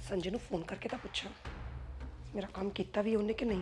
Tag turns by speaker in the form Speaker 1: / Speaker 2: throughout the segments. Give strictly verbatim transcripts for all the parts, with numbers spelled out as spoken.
Speaker 1: संजय ਨੂੰ फोन करके तो पूछा मेरा काम किया भी उन्हें कि नहीं।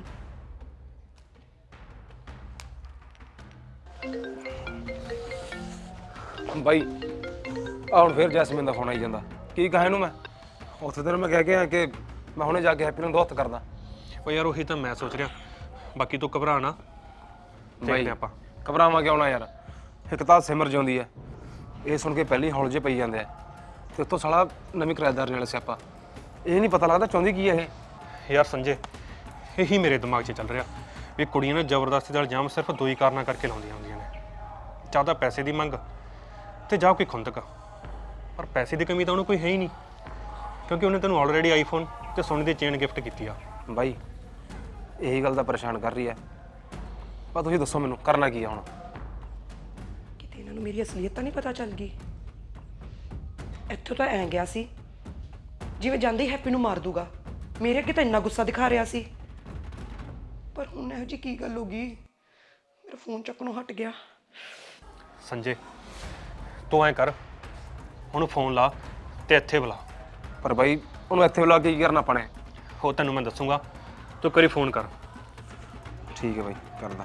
Speaker 2: ਬਾਈ ਆ ਹੁਣ ਫਿਰ ਜੈਸਮੀਨ ਦਾ ਫੋਨ ਆਈ ਜਾਂਦਾ। ਕੀ ਕਹਾਂ ਇਹਨੂੰ ਮੈਂ? ਉੱਥੇ ਤੈਨੂੰ ਮੈਂ ਕਹਿ ਕੇ ਆਇਆ ਕਿ ਮੈਂ ਹੁਣੇ ਜਾ ਕੇ ਹੈਪੀ ਨੂੰ ਦੋ ਹੱਥ ਕਰਦਾ।
Speaker 3: ਉਹ ਯਾਰ ਉਹੀ ਤਾਂ ਮੈਂ ਸੋਚ ਰਿਹਾ, ਬਾਕੀ ਤੂੰ ਘਬਰਾ ਨਾ।
Speaker 2: ਬਾਈ ਆਪਾਂ ਘਬਰਾਵਾਂ ਕਿਉਂ ਨਾ ਯਾਰ, ਇੱਕ ਤਾਂ ਸਿਮਰ ਜਿਉਂਦੀ ਹੈ, ਇਹ ਸੁਣ ਕੇ ਪਹਿਲੀ ਹੌਲ ਜੇ ਪਈ ਜਾਂਦੇ ਆ, ਤੇ ਉੱਤੋਂ ਸਾਲਾ ਨਵੀਂ ਕਿਰਾਏਦਾਰ ਨਾਲ ਸਿਆਪਾ। ਇਹ ਨਹੀਂ ਪਤਾ ਲੱਗਦਾ ਚਾਹੁੰਦੀ ਕੀ ਹੈ ਇਹ।
Speaker 3: ਯਾਰ ਸੰਜੇ, ਇਹੀ ਮੇਰੇ ਦਿਮਾਗ 'ਚ ਚੱਲ ਰਿਹਾ ਵੀ ਕੁੜੀਆਂ ਨੇ ਜ਼ਬਰਦਸਤੀ ਦਾ ਇਲਜ਼ਾਮ ਸਿਰਫ ਦੋ ਹੀ ਕਾਰਨਾਂ ਕਰਕੇ ਲਾਉਂਦੀਆਂ ਹੁੰਦੀਆਂ ਨੇ, ਜਾਂ ਤਾਂ ਪੈਸੇ ਦੀ ਮੰਗ ਤੇ ਜਾਂ ਕੋਈ ਖੁੰਦਕ। ਪਰ ਪੈਸੇ ਦੀ ਕਮੀ ਤਾਂ ਉਹਨੂੰ ਕੋਈ ਹੈ ਹੀ ਨਹੀਂ, ਕਿਉਂਕਿ ਉਹਨੇ ਤੈਨੂੰ ਆਲਰੇਡੀ ਆਈਫੋਨ ਤੇ ਸੋਨੇ ਦੀ ਚੇਨ ਗਿਫਟ ਕੀਤੀ ਆ।
Speaker 2: ਬਾਈ ਇਹੀ ਗੱਲ ਤਾਂ ਪਰੇਸ਼ਾਨ ਕਰ ਰਹੀ ਹੈ, ਪਰ ਤੁਸੀਂ ਦੱਸੋ ਮੈਨੂੰ ਕਰਨਾ ਕੀ ਆ ਹੁਣ?
Speaker 1: ਕਿਤੇ ਇਹਨਾਂ ਨੂੰ ਮੇਰੀ ਅਸਲੀਅਤ ਤਾਂ ਨਹੀਂ ਪਤਾ ਚੱਲ ਗਈ। ਇੱਥੋਂ ਤਾਂ ਐਂ ਗਿਆ ਸੀ ਜਿਵੇਂ ਜਾਂਦੇ ਹੀ ਹੈਪੀ ਨੂੰ ਮਾਰ ਦੂਗਾ, ਮੇਰੇ ਅੱਗੇ ਤਾਂ ਇੰਨਾ ਗੁੱਸਾ ਦਿਖਾ ਰਿਹਾ ਸੀ, ਪਰ ਹੁਣ ਇਹੋ ਜਿਹੀ ਕੀ ਗੱਲ ਹੋ ਗਈ, ਮੇਰਾ ਫੋਨ ਚੱਕਣੋਂ ਹਟ ਗਿਆ।
Speaker 3: ਸੰਜੇ ਤੂੰ ਐਂ ਕਰ, ਉਹਨੂੰ ਫੋਨ ਲਾ ਤੇ ਇੱਥੇ ਬੁਲਾ।
Speaker 2: ਪਰ ਬਾਈ ਉਹਨੂੰ ਇੱਥੇ ਬੁਲਾ ਕੇ ਕੀ ਕਰਨਾ ਆਪਾਂ ਨੇ?
Speaker 3: ਉਹ ਤੈਨੂੰ ਮੈਂ ਦੱਸੂਗਾ, ਤੂੰ ਕਰੀ ਫੋਨ ਕਰ।
Speaker 2: ਠੀਕ ਹੈ ਬਾਈ, ਕਰਦਾ।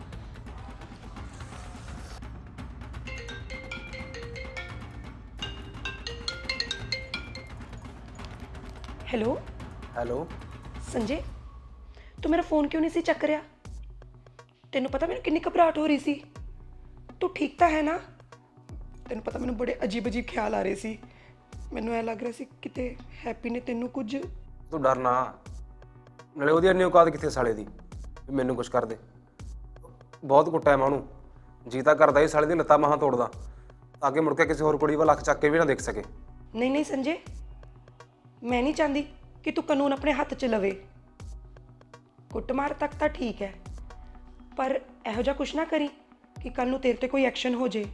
Speaker 1: ਹੈਲੋ
Speaker 2: ਹੈਲੋ
Speaker 1: ਸੰਜੇ, ਤੂੰ ਮੇਰਾ ਫੋਨ ਕਿਉਂ ਨਹੀਂ ਸੀ ਚੱਕ ਰਿਹਾ? ਤੈਨੂੰ ਪਤਾ ਮੈਨੂੰ ਕਿੰਨੀ ਘਬਰਾਹਟ ਹੋ ਰਹੀ ਸੀ। ਤੂੰ ਠੀਕ ਤਾਂ ਹੈ ਨਾ? ਤੈਨੂੰ ਪਤਾ ਮੈਨੂੰ ਬੜੇ ਅਜੀਬ ਅਜੀਬ ਖਿਆਲ ਆ ਰਹੇ ਸੀ। ਮੈਨੂੰ ਐ ਲੱਗ ਰਿਹਾ ਸੀ ਕਿਤੇ ਹੈਪੀ ਨੇ ਤੈਨੂੰ ਕੁਝ।
Speaker 2: ਤੂੰ ਡਰ ਨਾ, ਨਾਲੇ ਉਹਦੀ ਇੰਨੀ ਔਕਾਤ ਕਿੱਥੇ ਸਾਲੇ ਦੀ ਵੀ ਮੈਨੂੰ ਕੁਝ ਕਰ ਦੇ। ਬਹੁਤ ਕੁੱਟਿਆ ਮੈਂ ਉਹਨੂੰ, ਜੀ ਤਾਂ ਕਰਦਾ ਹੀ ਸਾਲੇ ਦੀ ਲੱਤਾਂ ਬਾਹਾਂ ਤੋੜਦਾ, ਤਾਂ ਕਿ ਮੁੜ ਕੇ ਕਿਸੇ ਹੋਰ ਕੁੜੀ ਵੱਲ ਅੱਖ ਚੱਕ ਕੇ ਵੀ ਨਾ ਦੇਖ ਸਕੇ।
Speaker 1: ਨਹੀਂ ਨਹੀਂ ਸੰਜੇ, ਮੈਂ ਨਹੀਂ ਚਾਹੁੰਦੀ ਕਿ ਤੂੰ ਕਾਨੂੰਨ ਆਪਣੇ ਹੱਥ 'ਚ ਲਵੇ। ਕੁੱਟਮਾਰ ਤੱਕ ਤਾਂ ਠੀਕ ਹੈ, ਪਰ ਇਹੋ ਜਿਹਾ ਕੁਛ ਨਾ ਕਰੀ ਕਿ ਕੱਲ ਨੂੰ ਤੇਰੇ ਤੇ ਕੋਈ ਐਕਸ਼ਨ ਹੋ ਜੇ।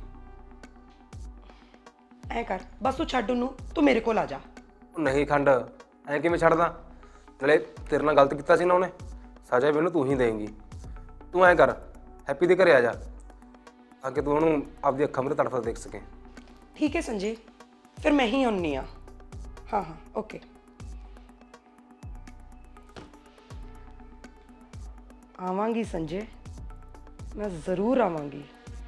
Speaker 1: ਐ ਕਰ, ਬਸ ਤੂੰ ਛੱਡ ਉਹਨੂੰ, ਤੂੰ ਮੇਰੇ ਕੋਲ ਆ ਜਾ।
Speaker 2: ਨਹੀਂ ਖੰਡ, ਐਂ ਕਿਵੇਂ ਛੱਡਦਾ? ਨਾਲੇ ਤੇਰੇ ਨਾਲ ਗਲਤ ਕੀਤਾ ਸੀ ਨਾ ਉਹਨੇ, ਸਜ਼ਾ ਵੀ ਉਹਨੂੰ ਤੂੰ ਹੀ ਦੇਂਗੀ। ਤੂੰ ਐਂ ਕਰ, ਹੈਪੀ ਦੇ ਘਰੇ ਆ ਜਾ, ਤਾਂ ਕਿ ਤੂੰ ਉਹਨੂੰ ਆਪਦੀ ਅੱਖਾਂ ਮੂਹਰੇ ਤੜਫਦਾ ਦੇਖ ਸਕੇ।
Speaker 1: ਠੀਕ ਹੈ ਸੰਜੇ, ਫਿਰ ਮੈਂ ਹੀ ਆਉਣੀ ਆ। ਹਾਂ ਹਾਂ ਓਕੇ। ਆਵਾਂਗੀ ਸੰਜੇ, ਮੈਂ ਜ਼ਰੂਰ ਆਵਾਂਗੀ।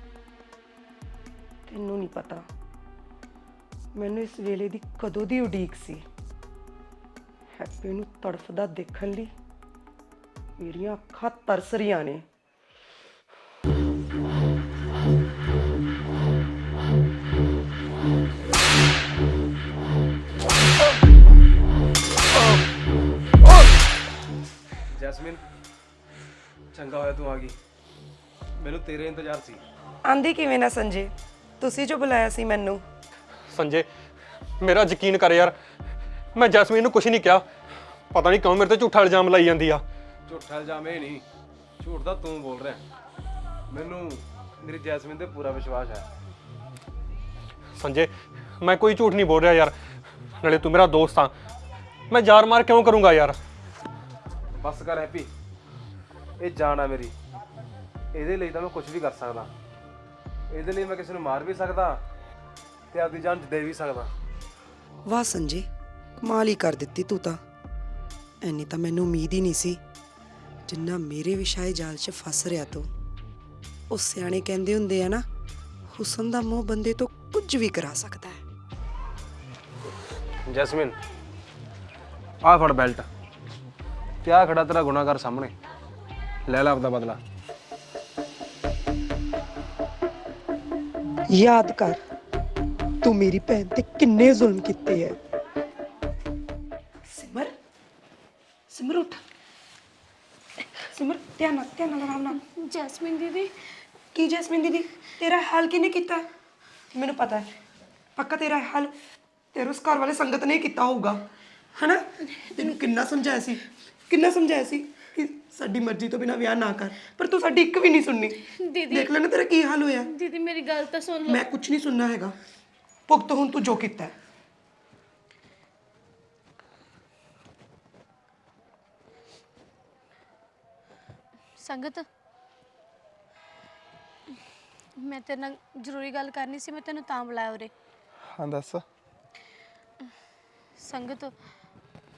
Speaker 1: ਤੈਨੂੰ ਨਹੀਂ ਪਤਾ ਮੈਨੂੰ ਇਸ ਵੇਲੇ ਦੀ ਕਦੋਂ ਦੀ ਉਡੀਕ ਸੀ। ਹੈਪੀ ਨੂੰ ਤੜਫਦਾ ਦੇਖਣ ਲਈ ਮੇਰੀਆਂ ਅੱਖਾਂ ਤਰਸ ਰਹੀਆਂ ਨੇ।
Speaker 2: ਜੈਸਮੀਨ, ਚੰਗਾ ਹੋਇਆ ਤੂੰ ਆ ਗਈ, ਮੈਨੂੰ ਤੇਰੇ ਇੰਤਜ਼ਾਰ ਸੀ।
Speaker 1: ਆਂਦੀ ਕਿਵੇਂ ਨਾ ਸੰਜੇ, ਤੁਸੀਂ ਜੋ ਬੁਲਾਇਆ ਸੀ ਮੈਨੂੰ।
Speaker 3: ਸੰਜੇ ਮੇਰਾ ਯਕੀਨ ਕਰ ਯਾਰ, ਮੈਂ ਜੈਸਮੀਨ ਨੂੰ ਕੁਝ ਨਹੀਂ ਕਿਹਾ। ਪਤਾ ਨਹੀਂ ਕਿਉਂ ਮੇਰੇ ਤੇ ਝੂਠਾ ਇਲਜ਼ਾਮ ਲਾਈ ਜਾਂਦੀ ਆ।
Speaker 2: ਝੂਠਾ ਇਲਜ਼ਾਮ ਇਹ ਨਹੀਂ, ਝੂਠ ਤਾਂ ਤੂੰ ਬੋਲ ਰਿਹਾ। ਮੈਨੂੰ ਮੇਰੀ ਜੈਸਮੀਨ ਤੇ ਪੂਰਾ ਵਿਸ਼ਵਾਸ ਹੈ।
Speaker 3: ਸੰਜੇ ਮੈਂ ਕੋਈ ਝੂਠ ਨਹੀਂ ਬੋਲ ਰਿਹਾ ਯਾਰ, ਨਾਲੇ ਤੂੰ ਮੇਰਾ ਦੋਸਤ ਆ, ਮੈਂ ਯਾਰ ਮਾਰ ਕਿਉਂ ਕਰੂੰਗਾ ਯਾਰ?
Speaker 2: ਬਸ ਕਰ ਹੈਪੀ, ਇਹ ਜਾਨ ਆ ਮੇਰੀ, ਇਹਦੇ ਲਈ ਤਾਂ ਮੈਂ ਕੁਝ ਵੀ ਕਰ ਸਕਦਾ। ਇਹਦੇ ਲਈ ਮੈਂ ਕਿਸੇ ਨੂੰ ਮਾਰ ਵੀ ਸਕਦਾ ਤੇ ਆਪਦੀ ਜਾਨ ਦੇ ਵੀ ਸਕਦਾ।
Speaker 1: ਵਾਹ ਸੰਜੇ, ਕਮਾਲ ਹੀ ਕਰ ਦਿੱਤੀ ਤੂੰ ਤਾਂ। ਐਨੀ ਤਾਂ ਮੈਨੂੰ ਉਮੀਦ ਹੀ ਨਹੀਂ ਸੀ ਜਿੰਨਾ ਮੇਰੇ ਵਿਸ਼ਾਏ ਜਾਲ 'ਚ ਫਸ ਰਿਹਾ ਤੂੰ। ਉਹ ਸਿਆਣੇ ਕਹਿੰਦੇ ਹੁੰਦੇ ਆ ਨਾ, ਹੁਸਨ ਦਾ ਮੋਹ ਬੰਦੇ ਤੋਂ ਕੁਝ ਵੀ ਕਰਾ ਸਕਦਾ ਹੈ।
Speaker 2: ਜੈਸਮੀਨ ਆਹ ਫੜ ਬੈਲਟ, ਤੇ ਆਹ ਖੜਾ ਤੇਰਾ ਗੁਨਾਹਗਾਰ ਸਾਹਮਣੇ, ਲੈ ਲੈ ਆਪਦਾ ਬਦਲਾ।
Speaker 1: ਯਾਦ ਕਰ ਤੂੰ ਮੇਰੀ ਭੈਣ ਤੇ ਕਿੰਨੇ ਜ਼ੁਲਮ ਕੀਤੇ ਹੈ। ਸਿਮਰ, ਸਿਮਰ ਉੱਠ, ਸਿਮਰ ਧਿਆਨ ਨਾਲ, ਧਿਆਨ ਨਾਲ, ਆਰਾਮ ਨਾਲ।
Speaker 4: ਜੈਸਮੀਨ ਦੀਦੀ।
Speaker 1: ਕੀ ਜੈਸਮੀਨ ਦੀਦੀ? ਤੇਰਾ ਹਾਲ ਕਿਹਨੇ ਕੀਤਾ? ਮੈਨੂੰ ਪਤਾ ਹੈ, ਪੱਕਾ ਤੇਰਾ ਹਾਲ ਤੇਰੇ ਉਸ ਘਰ ਵਾਲੇ ਸੰਗਤ ਨੇ ਕੀਤਾ ਹੋਊਗਾ, ਹਨਾ? ਤੈਨੂੰ ਕਿੰਨਾ ਸਮਝਾਇਆ ਸੀ, ਕਿੰਨਾ ਸਮਝਾਇਆ ਸੀ ਕਿ ਸਾਡੀ ਮਰਜ਼ੀ ਤੋਂ ਬਿਨਾਂ ਵਿਆਹ ਨਾ ਕਰ, ਪਰ ਤੂੰ ਸਾਡੀ ਇੱਕ ਵੀ ਨਹੀਂ ਸੁਣਨੀ।
Speaker 4: ਦੀਦੀ
Speaker 1: ਦੇਖ ਲੈ ਨਾ ਤੇਰਾ ਕੀ ਹਾਲ ਹੋਇਆ।
Speaker 4: ਦੀਦੀ ਮੇਰੀ ਗੱਲ ਤਾਂ ਸੁਣ ਲਓ।
Speaker 1: ਮੈਂ ਕੁਝ ਨਹੀਂ ਸੁਣਨਾ ਹੈਗਾ, ਭੁਗਤ ਹੁਣ ਤੂੰ ਜੋ ਕੀਤਾ ਹੈ।
Speaker 4: ਸੰਗਤ, ਮੈਂ ਤੇਰੇ ਨਾਲ ਜ਼ਰੂਰੀ ਗੱਲ ਕਰਨੀ ਸੀ, ਮੈਂ ਤੈਨੂੰ ਤਾਂ ਬੁਲਾਇਆ ਉਰੇ।
Speaker 5: ਹਾਂ ਦੱਸ।
Speaker 4: ਸੰਗਤ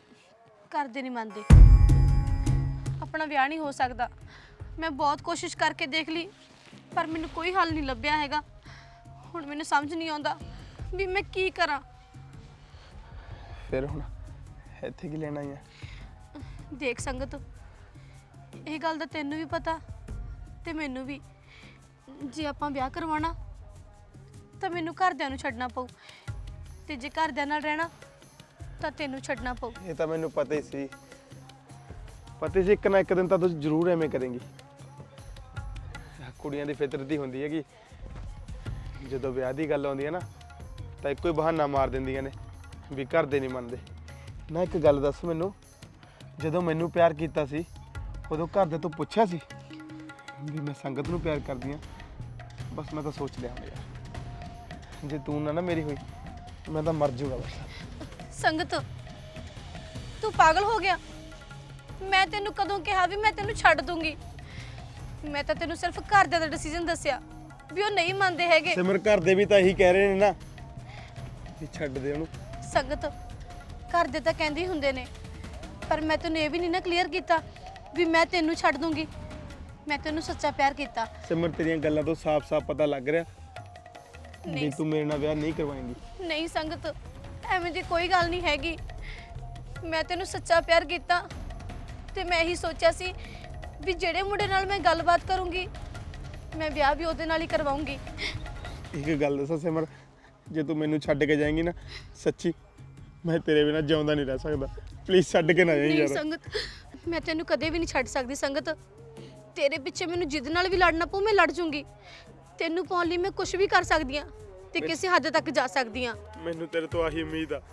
Speaker 4: ਕਰਦੇ ਨਹੀਂ ਮੰਨਦੇ। ਆਪਣਾ ਵਿਆਹ ਨਹੀਂ ਹੋ ਸਕਦਾ। ਮੈਂ ਬਹੁਤ ਕੋਸ਼ਿਸ਼ ਕਰਕੇ ਦੇਖ ਲਈ ਪਰ ਮੈਨੂੰ ਕੋਈ ਹੱਲ ਨਹੀਂ ਲੱਭਿਆ ਹੈਗਾ। ਹੁਣ ਮੈਨੂੰ ਸਮਝ ਨਹੀਂ ਆਉਂਦਾ ਵੀ ਮੈਂ ਕੀ ਕਰਾਂ।
Speaker 5: ਫਿਰ ਹੁਣ ਇੱਥੇ ਕੀ ਲੈਣਾ ਹੀ ਆ?
Speaker 4: ਦੇਖ ਸੰਗਤ, ਇਹ ਗੱਲ ਦਾ ਤੈਨੂੰ ਵੀ ਪਤਾ ਤੇ ਮੈਨੂੰ ਵੀ, ਜੇ ਆਪਾਂ ਵਿਆਹ ਕਰਵਾਉਣਾ ਤਾਂ ਮੈਨੂੰ ਘਰਦਿਆਂ ਨੂੰ ਛੱਡਣਾ ਪਊ ਤੇ ਜੇ ਘਰਦਿਆਂ ਨਾਲ ਰਹਿਣਾ ਤਾਂ ਤੈਨੂੰ ਛੱਡਣਾ ਪਊ।
Speaker 5: ਇਹ ਤਾਂ ਮੈਨੂੰ ਪਤਾ ਹੀ ਸੀ, ਪਤਾ ਸੀ ਇੱਕ ਨਾ ਇੱਕ ਦਿਨ ਤਾਂ ਤੂੰ ਜ਼ਰੂਰ ਐਵੇਂ ਕਰੇਂਗੀ। ਕੁੜੀਆਂ ਦੀ ਫਿਤਰਤ ਹੀ ਹੁੰਦੀ ਹੈ ਕਿ ਜਦੋਂ ਵਿਆਹ ਦੀ ਗੱਲ ਆਉਂਦੀ ਹੈ ਨਾ ਤਾਂ ਇੱਕੋ ਹੀ ਬਹਾਨਾ ਮਾਰ ਦਿੰਦੀਆਂ ਨੇ ਵੀ ਘਰ ਦੇ ਨਹੀਂ ਮੰਨਦੇ। ਨਾ ਇੱਕ ਗੱਲ ਦੱਸ ਮੈਨੂੰ, ਜਦੋਂ ਮੈਨੂੰ ਪਿਆਰ ਕੀਤਾ ਸੀ ਉਦੋਂ ਘਰ ਦੇ ਤੋਂ ਪੁੱਛਿਆ ਸੀ ਵੀ ਮੈਂ ਸੰਗਤ ਨੂੰ ਪਿਆਰ ਕਰਦੀ ਹਾਂ? ਬਸ ਮੈਂ ਤਾਂ ਸੋਚ ਲਿਆ ਹੁਣ ਯਾਰ, ਜੇ ਤੂੰ ਨਾ ਨਾ ਮੇਰੀ ਹੋਈ ਮੈਂ ਤਾਂ ਮਰ ਜਾਊਗਾ ਬਸ।
Speaker 4: ਸੰਗਤ, ਤੂੰ ਪਾਗਲ ਹੋ ਗਿਆ? ਮੈਂ ਤੈਨੂੰ ਕਦੋਂ ਕਿਹਾ ਵੀ ਮੈਂ ਤੈਨੂੰ ਛੱਡ ਦੂੰਗੀ? ਮੈਂ ਤਾਂ ਤੈਨੂੰ ਸਿਰਫ ਘਰਦਿਆਂ ਦਾ ਡਿਸੀਜਨ ਦੱਸਿਆ ਵੀ ਉਹ ਨਹੀਂ ਮੰਨਦੇ ਹੈਗੇ।
Speaker 5: ਸਿਮਰ ਘਰ ਦੇ ਵੀ ਤਾਂ ਇਹੀ ਕਹਿ ਰਹੇ ਨੇ ਨਾ ਵੀ ਛੱਡ ਦੇ ਉਹਨੂੰ।
Speaker 4: ਸੰਗਤ, ਘਰਦੇ ਤਾਂ ਕਹਿੰਦੇ ਹੀ ਹੁੰਦੇ ਨੇ ਪਰ ਮੈਂ ਤੈਨੂੰ ਇਹ ਵੀ ਨਹੀਂ ਨਾ ਕਲੀਅਰ ਕੀਤਾ ਵੀ ਮੈਂ ਤੈਨੂੰ ਛੱਡ ਦੂੰਗੀ। ਮੈਂ ਤੈਨੂੰ ਸੱਚਾ ਪਿਆਰ ਕੀਤਾ।
Speaker 5: ਸਿਮਰ ਤੇਰੀਆਂ ਗੱਲਾਂ ਤੋਂ ਸਾਫ਼-ਸਾਫ਼ ਪਤਾ ਲੱਗ ਰਿਹਾ ਵੀ
Speaker 4: ਨਹੀਂ
Speaker 5: ਤੂੰ ਮੇਰੇ ਨਾਲ ਵਿਆਹ ਨਹੀਂ ਕਰਵਾਏਂਗੀ।
Speaker 4: ਨਹੀਂ ਸੰਗਤ, ਐਵੇਂ ਦੀ ਕੋਈ ਗੱਲ ਨਹੀਂ ਹੈਗੀ। ਮੈਂ ਤੈਨੂੰ ਸੱਚਾ ਪਿਆਰ ਕੀਤਾ ਤੇ ਮੈਂ ਇਹੀ ਸੋਚਿਆ ਸੀ ਵੀ ਜਿਹੜੇ ਮੁੰਡੇ ਨਾਲ ਮੈਂ ਗੱਲਬਾਤ ਕਰੂੰਗੀ ਮੈਂ ਵਿਆਹ ਵੀ ਉਹਦੇ ਨਾਲ ਹੀ ਕਰਵਾਉਂਗੀ।
Speaker 5: ਇੱਕ ਗੱਲ ਦੱਸਾਂ ਸਿਮਰ, ਜੇ ਤੂੰ ਮੈਨੂੰ ਛੱਡ ਕੇ ਜਾਏਂਗੀ ਨਾ, ਸੱਚੀ ਮੈਂ ਤੇਰੇ ਬਿਨਾਂ ਜਿਉਂਦਾ ਨਹੀਂ ਰਹਿ ਸਕਦਾ। ਪਲੀਜ਼ ਛੱਡ ਕੇ ਨਾ ਜਾਈਂ
Speaker 4: ਨਹੀਂ
Speaker 5: ਯਾਰ।
Speaker 4: ਸੰਗਤ, ਮੈਂ ਤੈਨੂੰ ਕਦੇ ਵੀ ਨਹੀਂ ਛੱਡ ਸਕਦੀ। ਸੰਗਤ, ਤੇਰੇ ਪਿੱਛੇ ਮੈਨੂੰ ਜਿੱਦ ਨਾਲ ਵੀ ਲੜਨਾ ਪਊ ਮੈਂ ਲੜ ਜੂੰਗੀ। ਤੈਨੂੰ ਪਾਉਣ ਲਈ ਮੈਂ ਕੁਝ ਵੀ ਕਰ ਸਕਦੀ ਹਾਂ ਤੇ ਕਿਸੇ ਹੱਦ ਤੱਕ ਜਾ ਸਕਦੀ ਹਾਂ।
Speaker 5: ਮੈਨੂੰ ਤੇਰੇ ਤੋਂ ਆਹੀ ਉਮੀਦ ਆ।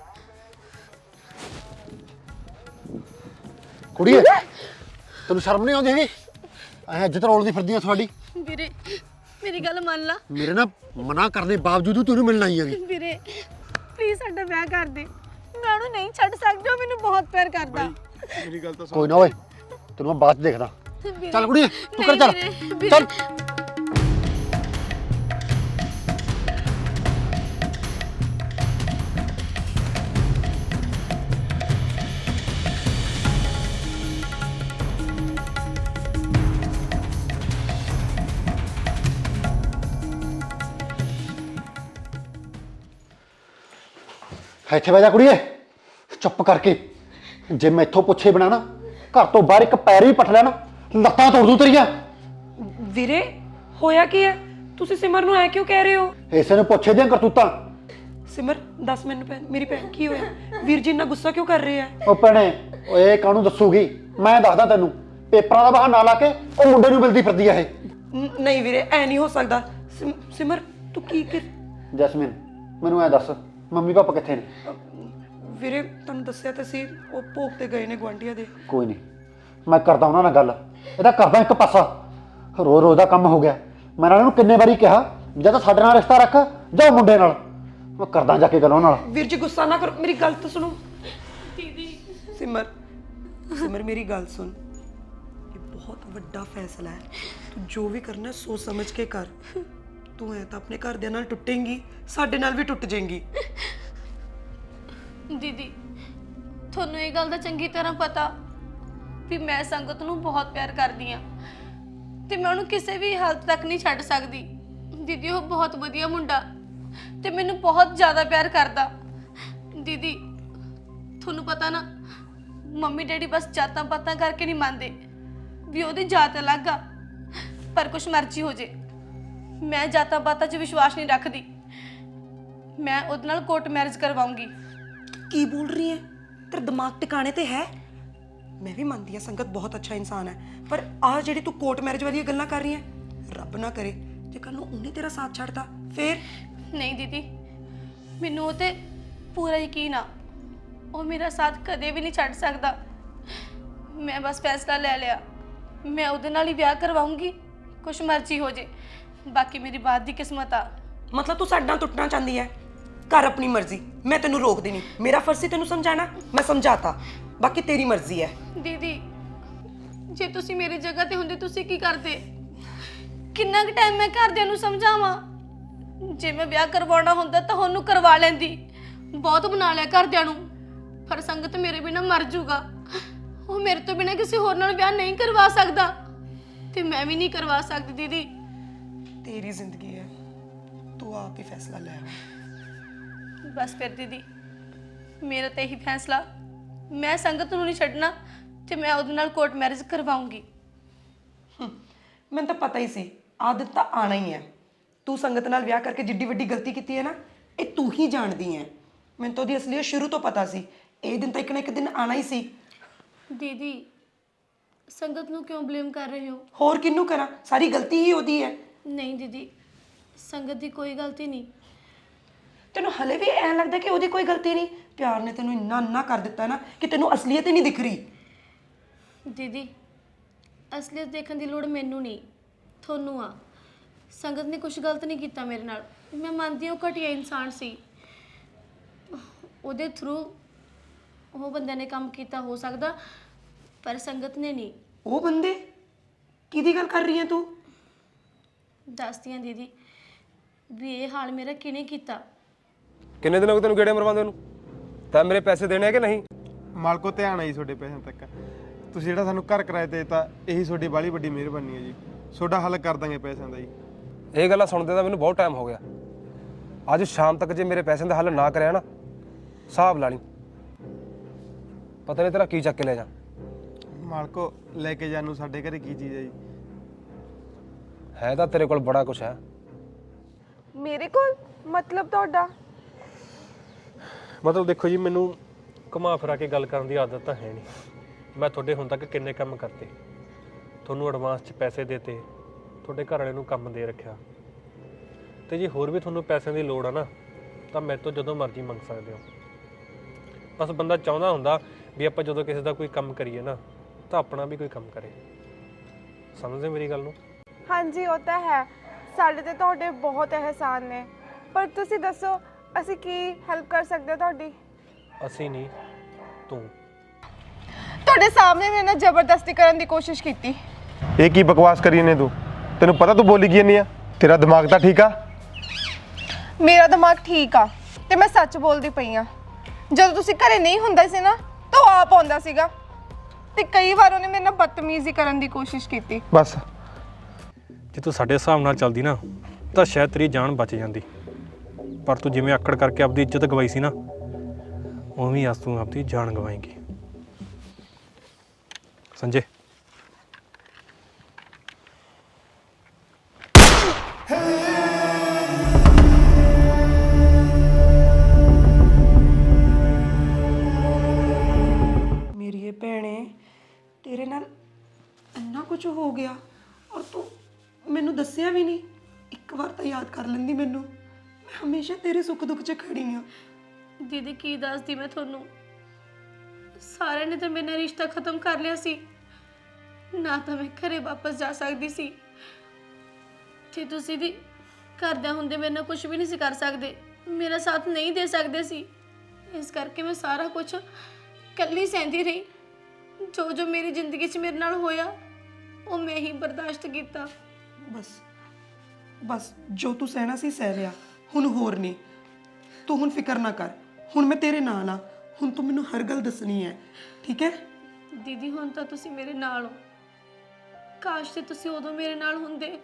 Speaker 6: ਕੁੜੀਏ ਤੈਨੂੰ ਸ਼ਰਮ ਨਹੀਂ ਆਉਂਦੀ ਹੈਗੀ? ਐ ਇੱਜ਼ਤ ਰੋਲਦੀ ਫਿਰਦੀ ਆ ਤੁਹਾਡੀ।
Speaker 4: ਵੀਰੇ ਮੇਰੀ ਗੱਲ ਮੰਨ ਲਾ।
Speaker 6: ਮੇਰੇ ਨਾਲ ਮਨਾ ਕਰਨ ਦੇ ਬਾਵਜੂਦ ਤੈਨੂੰ ਮਿਲਣਾ ਹੀ ਹੈਗੀ।
Speaker 4: ਵੀਰੇ ਪਲੀਜ਼ ਸਾਡਾ ਵਿਆਹ ਕਰ ਦੇ। ਮੈਂ ਉਹਨੂੰ ਨਹੀਂ ਛੱਡ ਸਕਦੀ, ਉਹ ਮੈਨੂੰ ਬਹੁਤ ਪਿਆਰ ਕਰਦਾ।
Speaker 5: ਮੇਰੀ ਗੱਲ ਤਾਂ ਸੁਣ।
Speaker 6: ਕੋਈ ਨਾ ਓਏ, ਤੈਨੂੰ ਮੈਂ ਬਾਅਦ ਚ ਦੇਖਦਾ।
Speaker 4: ਵੀਰੇ,
Speaker 6: ਚੱਲ ਕੁੜੀਏ ਤੂੰ ਕਰ
Speaker 4: ਨਹੀਂ
Speaker 6: ਚੱਲ
Speaker 4: ਵੀਰੇ, ਵੀਰੇ।
Speaker 6: ਚੱਲ। ਇੱਥੇ ਬਹਿ ਜਾ ਕੁੜੀਏ, ਚੁੱਪ ਕਰਕੇ। ਜੇ ਮੈਥੋਂ ਪੁੱਛੇ ਬਿਨਾਂ ਨਾ ਘਰ ਤੋਂ ਬਾਹਰ ਇੱਕ ਪੈਰ ਵੀ ਪੱਟ ਲਿਆ ਨਾ, ਲੱਤਾਂ ਤੋੜ ਦੂੰ ਤੇਰੀਆਂ।
Speaker 1: ਵੀਰੇ ਹੋਇਆ ਕੀ ਹੈ? ਤੁਸੀਂ ਸਿਮਰ ਨੂੰ ਐ ਕਿਉਂ ਕਹਿ ਰਹੇ ਹੋ?
Speaker 6: ਇਸੇ ਨੂੰ ਪੁੱਛੇ ਦੀਆਂ ਕਰਤੂਤਾਂ।
Speaker 1: ਸਿਮਰ ਦੱਸ ਮੈਨੂੰ ਭੈਣ, ਮੇਰੀ ਭੈਣ ਕੀ ਹੋਇਆ? ਵੀਰ ਜੀ ਇੰਨਾ ਗੁੱਸਾ ਕਿਉਂ ਕਰ ਰਹੇ ਆ?
Speaker 6: ਉਹ ਭੈਣੇ, ਓਏ ਕਾਹਨੂੰ ਦੱਸੂਗੀ? ਮੈਂ ਦੱਸਦਾ ਤੈਨੂੰ। ਪੇਪਰਾਂ ਦਾ ਬਹਾਨਾ ਲਾ ਕੇ ਉਹ ਮੁੰਡੇ ਨੂੰ ਮਿਲਦੀ ਫਿਰਦੀ ਆ ਇਹ।
Speaker 1: ਨ- ਨਹੀਂ ਵੀਰੇ ਐ ਨਹੀਂ ਹੋ ਸਕਦਾ। ਸਿਮ- ਸਿਮਰ ਤੂੰ ਕੀ ਕਰ?
Speaker 6: ਜੈਸਮੀਨ ਮੈਨੂੰ ਐ ਦੱਸ, ਮੰਮੀ ਪਾਪਾ ਕਿੱਥੇ ਨੇ?
Speaker 1: ਵੀਰੇ ਤੁਹਾਨੂੰ ਦੱਸਿਆ ਤਾਂ ਸੀ, ਉਹ ਭੋਗ ਤੇ ਗਏ ਨੇ ਗੁਆਂਢੀਆਂ ਦੇ।
Speaker 6: ਕੋਈ ਨਹੀਂ, ਮੈਂ ਕਰਦਾ ਉਹਨਾਂ ਨਾਲ ਗੱਲ। ਇਹਦਾ ਕਰਦਾ ਇੱਕ ਪਾਸਾ। ਰੋ ਰੋਜ਼ ਦਾ ਕੰਮ ਹੋ ਗਿਆ। ਮੈਂ ਇਹਨਾਂ ਨੂੰ ਕਿੰਨੇ ਵਾਰੀ ਕਿਹਾ ਜਾਂ ਤਾਂ ਸਾਡੇ ਨਾਲ ਰਿਸ਼ਤਾ ਰੱਖ ਜਾਂ ਮੁੰਡੇ ਨਾਲ। ਮੈਂ ਕਰਦਾ ਜਾ ਕੇ ਗੱਲ ਉਹਨਾਂ ਨਾਲ।
Speaker 1: ਵੀਰ ਜੀ ਗੁੱਸਾ ਨਾ ਕਰੋ, ਮੇਰੀ ਗੱਲ ਤਾਂ ਸੁਣੋ। ਦੀਦੀ ਸਿਮਰ, ਸਿਮਰ ਮੇਰੀ ਗੱਲ ਸੁਣ। ਇਹ ਬਹੁਤ ਵੱਡਾ ਫੈਸਲਾ ਹੈ। ਤੂੰ ਜੋ ਵੀ ਕਰਨਾ ਸੋਚ ਸਮਝ ਕੇ ਕਰ। ਤੂੰ ਐ ਤਾਂ ਆਪਣੇ ਘਰਦਿਆਂ ਨਾਲ ਟੁੱਟੇਂਗੀ, ਸਾਡੇ ਨਾਲ ਵੀ ਟੁੱਟ ਜਾਏਂਗੀ।
Speaker 4: ਦੀਦੀ ਤੁਹਾਨੂੰ ਇਹ ਗੱਲ ਦਾ ਚੰਗੀ ਤਰ੍ਹਾਂ ਪਤਾ ਵੀ ਮੈਂ ਸੰਗਤ ਨੂੰ ਬਹੁਤ ਪਿਆਰ ਕਰਦੀ ਆ ਤੇ ਮੈਂ ਉਹਨੂੰ ਕਿਸੇ ਵੀ ਹਾਲਤ ਤੱਕ ਨਹੀਂ ਛੱਡ ਸਕਦੀ। ਦੀਦੀ ਉਹ ਬਹੁਤ ਵਧੀਆ ਮੁੰਡਾ ਤੇ ਮੈਨੂੰ ਬਹੁਤ ਜ਼ਿਆਦਾ ਪਿਆਰ ਕਰਦਾ। ਦੀਦੀ ਤੁਹਾਨੂੰ ਪਤਾ ਨਾ, ਮੰਮੀ ਡੈਡੀ ਬਸ ਜਾਤਾਂ ਪਾਤਾਂ ਕਰਕੇ ਨਹੀਂ ਮੰਨਦੇ ਵੀ ਉਹਦੀ ਜਾਤ ਅਲੱਗ ਆ। ਪਰ ਕੁਛ ਮਰਜ਼ੀ ਹੋ ਜੇ, ਮੈਂ ਜਾਤਾਂ ਪਾਤਾਂ 'ਚ ਵਿਸ਼ਵਾਸ ਨਹੀਂ ਰੱਖਦੀ। ਮੈਂ ਉਹਦੇ ਨਾਲ ਕੋਰਟ ਮੈਰਿਜ ਕਰਵਾਉਂਗੀ।
Speaker 1: ਕੀ ਬੋਲ ਰਹੀ ਹੈ? ਤੇਰਾ ਦਿਮਾਗ ਟਿਕਾਣੇ ਤੇ ਹੈ? ਮੈਂ ਵੀ ਮੰਨਦੀ ਹਾਂ ਸੰਗਤ ਬਹੁਤ ਅੱਛਾ ਇਨਸਾਨ ਹੈ, ਪਰ ਆਹ ਜਿਹੜੀ ਤੂੰ ਕੋਰਟ ਮੈਰਿਜ ਵਾਲੀਆਂ ਗੱਲਾਂ ਕਰ ਰਹੀ ਹੈ, ਰੱਬ ਨਾ ਕਰੇ ਜੇ ਕੱਲ ਨੂੰ ਉਹਨੇ ਤੇਰਾ ਸਾਥ ਛੱਡਤਾ ਫੇਰ?
Speaker 4: ਨਹੀਂ ਦੀਦੀ, ਮੈਨੂੰ ਉਹ ਤੇ ਪੂਰਾ ਯਕੀਨ ਆ। ਉਹ ਮੇਰਾ ਸਾਥ ਕਦੇ ਵੀ ਨਹੀਂ ਛੱਡ ਸਕਦਾ। ਮੈਂ ਬਸ ਫੈਸਲਾ ਲੈ ਲਿਆ, ਮੈਂ ਉਹਦੇ ਨਾਲ ਹੀ ਵਿਆਹ ਕਰਵਾਉਂਗੀ, ਕੁਛ ਮਰਜ਼ੀ ਹੋ ਜੇ। ਬਾਕੀ ਮੇਰੀ ਬਾਤ ਦੀ ਕਿਸਮਤ ਆ।
Speaker 1: ਮਤਲਬ ਤੂੰ ਸਾਡੇ ਨਾਲ ਟੁੱਟਣਾ ਚਾਹੁੰਦੀ ਹੈ? ਕਰ ਆਪਣੀ ਮਰਜ਼ੀ, ਮੈਂ ਤੈਨੂੰ ਰੋਕਦੀ ਨਹੀਂ। ਮੇਰਾ ਫਰਜ਼ ਸੀ ਤੈਨੂੰ ਸਮਝਾਣਾ, ਮੈਂ ਸਮਝਾਤਾ। ਬਾਕੀ ਤੇਰੀ ਮਰਜ਼ੀ ਹੈ।
Speaker 4: ਦੀਦੀ ਜੇ ਤੁਸੀਂ ਮੇਰੀ ਜਗ੍ਹਾ ਤੇ ਹੁੰਦੇ ਤੁਸੀਂ ਕੀ ਕਰਦੇ? ਕਿੰਨਾ ਕੁ ਟਾਈਮ ਮੈਂ ਘਰਦਿਆਂ ਨੂੰ ਸਮਝਾਵਾਂ? ਜੇ ਮੈਂ ਵਿਆਹ ਕਰਵਾਉਣਾ ਹੁੰਦਾ ਤਾਂ ਉਹਨੂੰ ਕਰਵਾ ਲੈਂਦੀ। ਬਹੁਤ ਬਣਾ ਲਿਆ ਘਰਦਿਆਂ ਨੂੰ, ਪਰ ਸੰਗਤ ਮੇਰੇ ਬਿਨਾਂ ਮਰ ਜੂਗਾ। ਉਹ ਮੇਰੇ ਤੋਂ ਬਿਨਾਂ ਕਿਸੇ ਹੋਰ ਨਾਲ ਵਿਆਹ ਨਹੀਂ ਕਰਵਾ ਸਕਦਾ ਤੇ ਮੈਂ ਵੀ ਨਹੀਂ ਕਰਵਾ ਸਕਦੀ ਦੀਦੀ।
Speaker 1: ਤੇਰੀ ਜ਼ਿੰਦਗੀ ਹੈ, ਤੂੰ ਆਪ ਹੀ ਫੈਸਲਾ ਲੈ।
Speaker 4: ਬਸ ਫਿਰ ਦੀਦੀ, ਮੇਰਾ ਤਾਂ ਇਹੀ ਫੈਸਲਾ, ਮੈਂ ਸੰਗਤ ਨੂੰ ਨਹੀਂ ਛੱਡਣਾ ਤੇ ਮੈਂ ਉਹਦੇ ਨਾਲ ਕੋਰਟ ਮੈਰਿਜ ਕਰਵਾਉਂਗੀ।
Speaker 1: ਮੈਨੂੰ ਤਾਂ ਪਤਾ ਹੀ ਸੀ ਆਦਤ ਤਾਂ ਆਣਾ ਹੀ ਹੈ। ਤੂੰ ਸੰਗਤ ਨਾਲ ਵਿਆਹ ਕਰਕੇ ਜਿੱਡੀ ਵੱਡੀ ਗਲਤੀ ਕੀਤੀ ਹੈ ਨਾ, ਇਹ ਤੂੰ ਹੀ ਜਾਣਦੀ ਹੈ। ਮੈਨੂੰ ਤਾਂ ਉਹਦੀ ਅਸਲੀਅਤ ਸ਼ੁਰੂ ਤੋਂ ਪਤਾ ਸੀ, ਇਹ ਦਿਨ ਤਾਂ ਇੱਕ ਨਾ ਇੱਕ ਦਿਨ ਆਣਾ ਹੀ ਸੀ।
Speaker 4: ਦੀਦੀ ਸੰਗਤ ਨੂੰ ਕਿਉਂ ਬਲੇਮ ਕਰ ਰਹੇ ਹੋ?
Speaker 1: ਹੋਰ ਕਿਹਨੂੰ ਕਰਾਂ, ਸਾਰੀ ਗਲਤੀ ਹੀ ਉਹਦੀ ਹੈ।
Speaker 4: ਨਹੀਂ ਦੀਦੀ, ਸੰਗਤ ਦੀ ਕੋਈ ਗਲਤੀ ਨਹੀਂ।
Speaker 1: ਤੈਨੂੰ ਹਲੇ ਵੀ ਐਂ ਲੱਗਦਾ ਕਿ ਉਹਦੀ ਕੋਈ ਗਲਤੀ ਨਹੀਂ? ਪਿਆਰ ਨੇ ਤੈਨੂੰ ਇੰਨਾ ਅੰਨਾ ਕਰ ਦਿੱਤਾ ਨਾ ਕਿ ਤੈਨੂੰ ਅਸਲੀਅਤ ਹੀ ਨਹੀਂ ਦਿਖ ਰਹੀ।
Speaker 4: ਦੀਦੀ ਅਸਲੀਅਤ ਦੇਖਣ ਦੀ ਲੋੜ ਮੈਨੂੰ ਨਹੀਂ, ਤੁਹਾਨੂੰ ਆ। ਸੰਗਤ ਨੇ ਕੁਝ ਗਲਤ ਨਹੀਂ ਕੀਤਾ ਮੇਰੇ ਨਾਲ। ਮੈਂ ਮੰਨਦੀ ਹਾਂ ਉਹ ਘਟੀਆ ਇਨਸਾਨ ਸੀ, ਉਹਦੇ ਥਰੂ ਉਹ ਬੰਦਿਆਂ ਨੇ ਕੰਮ ਕੀਤਾ ਹੋ ਸਕਦਾ, ਪਰ ਸੰਗਤ ਨੇ ਨਹੀਂ।
Speaker 1: ਉਹ ਬੰਦੇ ਕਿਹਦੀ ਗੱਲ ਕਰ ਰਹੀ ਹੈ ਤੂੰ?
Speaker 4: ਦੱਸਦੀ ਹਾਂ ਦੀਦੀ ਵੀ ਇਹ ਹਾਲ ਮੇਰਾ ਕਿਹਨੇ ਕੀਤਾ।
Speaker 2: ਕਿੰਨੇ ਦਿਨ ਹੋ ਗਏ ਤੈਨੂੰ ਗੇੜੇ ਮਰਵਾਉਂਦੇ ਨੂੰ? ਤਾਂ ਮੇਰੇ ਪੈਸੇ ਦੇਣੇ ਆ ਕਿ ਨਹੀਂ?
Speaker 5: ਮਾਲਕੋ ਧਿਆਨ ਆਈ ਤੁਹਾਡੇ ਪੈਸਿਆਂ ਤੱਕ। ਤੁਸੀਂ ਜਿਹੜਾ ਸਾਨੂੰ ਘਰ ਕਿਰਾਏ ਤੇ ਦਿੱਤਾ, ਇਹੀ ਤੁਹਾਡੀ ਬਾਹਲੀ ਵੱਡੀ ਮਿਹਰਬਾਨੀ ਹੈ ਜੀ। ਤੁਹਾਡਾ ਹੱਲ ਕਰ ਦਾਂਗੇ ਪੈਸਿਆਂ ਦਾ ਜੀ।
Speaker 2: ਇਹ ਗੱਲਾਂ ਸੁਣਦੇ ਤਾਂ ਮੈਨੂੰ ਬਹੁਤ ਟਾਈਮ ਹੋ ਗਿਆ। ਅੱਜ ਸ਼ਾਮ ਤੱਕ ਜੇ ਮੇਰੇ ਪੈਸਿਆਂ ਦਾ ਹੱਲ ਨਾ ਕਰਿਆ ਨਾ, ਹਿਸਾਬ ਲਾ ਲਈ, ਪਤਾ ਨਹੀਂ ਤੇਰਾ ਕੀ ਚੱਕ ਕੇ ਲੈ ਜਾ।
Speaker 5: ਮਾਲਕੋ ਲੈ ਕੇ ਜਾਣ ਨੂੰ ਸਾਡੇ ਘਰੇ ਕੀ ਚੀਜ਼ ਹੈ ਜੀ?
Speaker 2: ਹੈ ਤਾਂ ਤੇਰੇ ਕੋਲ ਬੜਾ ਕੁਝ ਹੈ।
Speaker 7: ਮੇਰੇ ਕੋਲ ਮਤਲਬ ਤੁਹਾਡਾ?
Speaker 3: ਮਤਲਬ ਦੇਖੋ ਜੀ, ਮੈਨੂੰ ਘੁਮਾ ਫਿਰਾ ਕੇ ਗੱਲ ਕਰਨ ਦੀ ਆਦਤ ਤਾਂ ਹੈ ਨਹੀਂ। ਮੈਂ ਤੁਹਾਡੇ ਹੁਣ ਤੱਕ ਕਿੰਨੇ ਕੰਮ ਕਰਤੇ, ਤੁਹਾਨੂੰ ਐਡਵਾਂਸ 'ਚ ਪੈਸੇ ਦੇਤੇ, ਤੁਹਾਡੇ ਘਰ ਵਾਲੇ ਨੂੰ ਕੰਮ ਦੇ ਰੱਖਿਆ, ਤੇ ਜੇ ਹੋਰ ਵੀ ਤੁਹਾਨੂੰ ਪੈਸਿਆਂ ਦੀ ਲੋੜ ਆ ਨਾ ਤਾਂ ਮੇਰੇ ਤੋਂ ਜਦੋਂ ਮਰਜ਼ੀ ਮੰਗ ਸਕਦੇ ਹੋ। ਬਸ ਬੰਦਾ ਚਾਹੁੰਦਾ ਹੁੰਦਾ ਵੀ ਆਪਾਂ ਜਦੋਂ ਕਿਸੇ ਦਾ ਕੋਈ ਕੰਮ ਕਰੀਏ ਨਾ ਤਾਂ ਆਪਣਾ ਵੀ ਕੋਈ ਕੰਮ ਕਰੇ। ਸਮਝਦੇ ਮੇਰੀ ਗੱਲ ਨੂੰ?
Speaker 7: ਹਾਂਜੀ ਉਹ ਤਾਂ ਹੈ, ਸਾਡੇ ਤੇ ਤੁਹਾਡੇ ਬਹੁਤ ਅਹਿਸਾਨ ਨੇ, ਪਰ ਤੁਸੀਂ ਦੱਸੋ ਅਸੀਂ ਕੀ ਹੈਲਪ ਕਰ ਸਕਦੇ ਹਾਂ ਤੁਹਾਡੀ?
Speaker 3: ਅਸੀਂ ਨਹੀਂ, ਤੂੰ।
Speaker 7: ਤੁਹਾਡੇ ਸਾਹਮਣੇ ਮੇਰੇ ਨਾਲ ਜ਼ਬਰਦਸਤੀ ਕਰਨ ਦੀ ਕੋਸ਼ਿਸ਼ ਕੀਤੀ।
Speaker 5: ਇਹ ਕੀ ਬਕਵਾਸ ਕਰੀ ਨੇ ਤੂੰ? ਤੈਨੂੰ ਪਤਾ ਤੂੰ ਬੋਲੀ ਕੀ ਨਹੀਂ ਆ? ਤੇਰਾ ਦਿਮਾਗ ਤਾਂ ਠੀਕ ਆ?
Speaker 7: ਮੇਰਾ ਦਿਮਾਗ ਠੀਕ ਆ ਤੇ ਮੈਂ ਸੱਚ ਬੋਲਦੀ ਪਈ ਆ। ਜਦੋਂ ਤੁਸੀਂ ਘਰੇ ਨਹੀਂ ਹੁੰਦਾ ਸੀ ਨਾ ਤਾਂ ਉਹ ਆਪ ਆਉਂਦਾ ਸੀਗਾ ਤੇ ਕਈ ਵਾਰ ਉਹਨੇ ਮੇਰੇ ਨਾਲ ਬਦਤਮੀਜ਼ੀ ਕਰਨ ਦੀ ਕੋਸ਼ਿਸ਼ ਕੀਤੀ।
Speaker 5: ਬਸ
Speaker 3: ਜੇ ਤੂੰ ਸਾਡੇ ਹਿਸਾਬ ਨਾਲ ਚੱਲਦੀ ਨਾ ਤਾਂ ਸ਼ਾਇਦ ਤੇਰੀ ਜਾਨ ਬਚ ਜਾਂਦੀ, ਪਰ ਤੂੰ ਜਿਵੇਂ ਆਕੜ ਕਰਕੇ ਆਪਦੀ ਇੱਜ਼ਤ ਗਵਾਈ ਸੀ ਨਾ, ਉਵੇਂ ਅੱਜ ਤੂੰ ਆਪਦੀ ਜਾਨ ਗਵਾਏਂਗੀ। ਸੰਜੇ,
Speaker 1: ਮੇਰੀ ਇਹ ਭੈਣੇ, ਤੇਰੇ ਨਾਲ ਇੰਨਾ ਕੁਝ ਹੋ ਗਿਆ ਔਰ ਤੂੰ ਮੈਨੂੰ ਦੱਸਿਆ ਵੀ ਨਹੀਂ। ਇੱਕ ਵਾਰ ਤਾਂ ਯਾਦ ਕਰ ਲੈਂਦੀ ਮੈਨੂੰ, ਮੈਂ ਹਮੇਸ਼ਾ ਤੇਰੇ ਸੁੱਖ ਦੁੱਖ 'ਚ ਖੜੀ ਹਾਂ।
Speaker 4: ਦੀਦੀ ਕੀ ਦੱਸਦੀ ਮੈਂ ਤੁਹਾਨੂੰ, ਸਾਰਿਆਂ ਨੇ ਤਾਂ ਮੇਰੇ ਨਾਲ ਰਿਸ਼ਤਾ ਖਤਮ ਕਰ ਲਿਆ ਸੀ, ਨਾ ਤਾਂ ਮੈਂ ਘਰੇ ਵਾਪਸ ਜਾ ਸਕਦੀ ਸੀ ਤੇ ਤੁਸੀਂ ਵੀ ਘਰਦਿਆਂ ਹੁੰਦੇ ਮੇਰੇ ਨਾਲ ਕੁਝ ਵੀ ਨਹੀਂ ਸੀ ਕਰ ਸਕਦੇ, ਮੇਰਾ ਸਾਥ ਨਹੀਂ ਦੇ ਸਕਦੇ ਸੀ। ਇਸ ਕਰਕੇ ਮੈਂ ਸਾਰਾ ਕੁਝ ਇਕੱਲੀ ਸਹਿੰਦੀ ਰਹੀ। ਜੋ ਜੋ ਮੇਰੀ ਜ਼ਿੰਦਗੀ 'ਚ ਮੇਰੇ ਨਾਲ ਹੋਇਆ ਉਹ ਮੈਂ ਹੀ ਬਰਦਾਸ਼ਤ ਕੀਤਾ।
Speaker 1: ਬਸ ਬਸ ਜੋ ਤੂੰ ਸਹਿਣਾ ਸੀ ਸਹਿ ਲਿਆ, ਹੁਣ ਹੋਰ ਨਹੀਂ। ਤੂੰ ਹੁਣ ਫਿਕਰ ਨਾ ਕਰ, ਹੁਣ ਮੈਂ ਤੇਰੇ ਨਾਲ ਆ। ਹੁਣ ਤੂੰ ਮੈਨੂੰ ਹਰ ਗੱਲ ਦੱਸਣੀ ਹੈ, ਠੀਕ ਹੈ?
Speaker 4: ਦੀਦੀ ਹੁਣ ਤਾਂ ਤੁਸੀਂ ਮੇਰੇ ਨਾਲ ਹੋ, ਕਾਸ਼ ਤੇ ਤੁਸੀਂ ਉਦੋਂ ਮੇਰੇ ਨਾਲ ਹੁੰਦੇ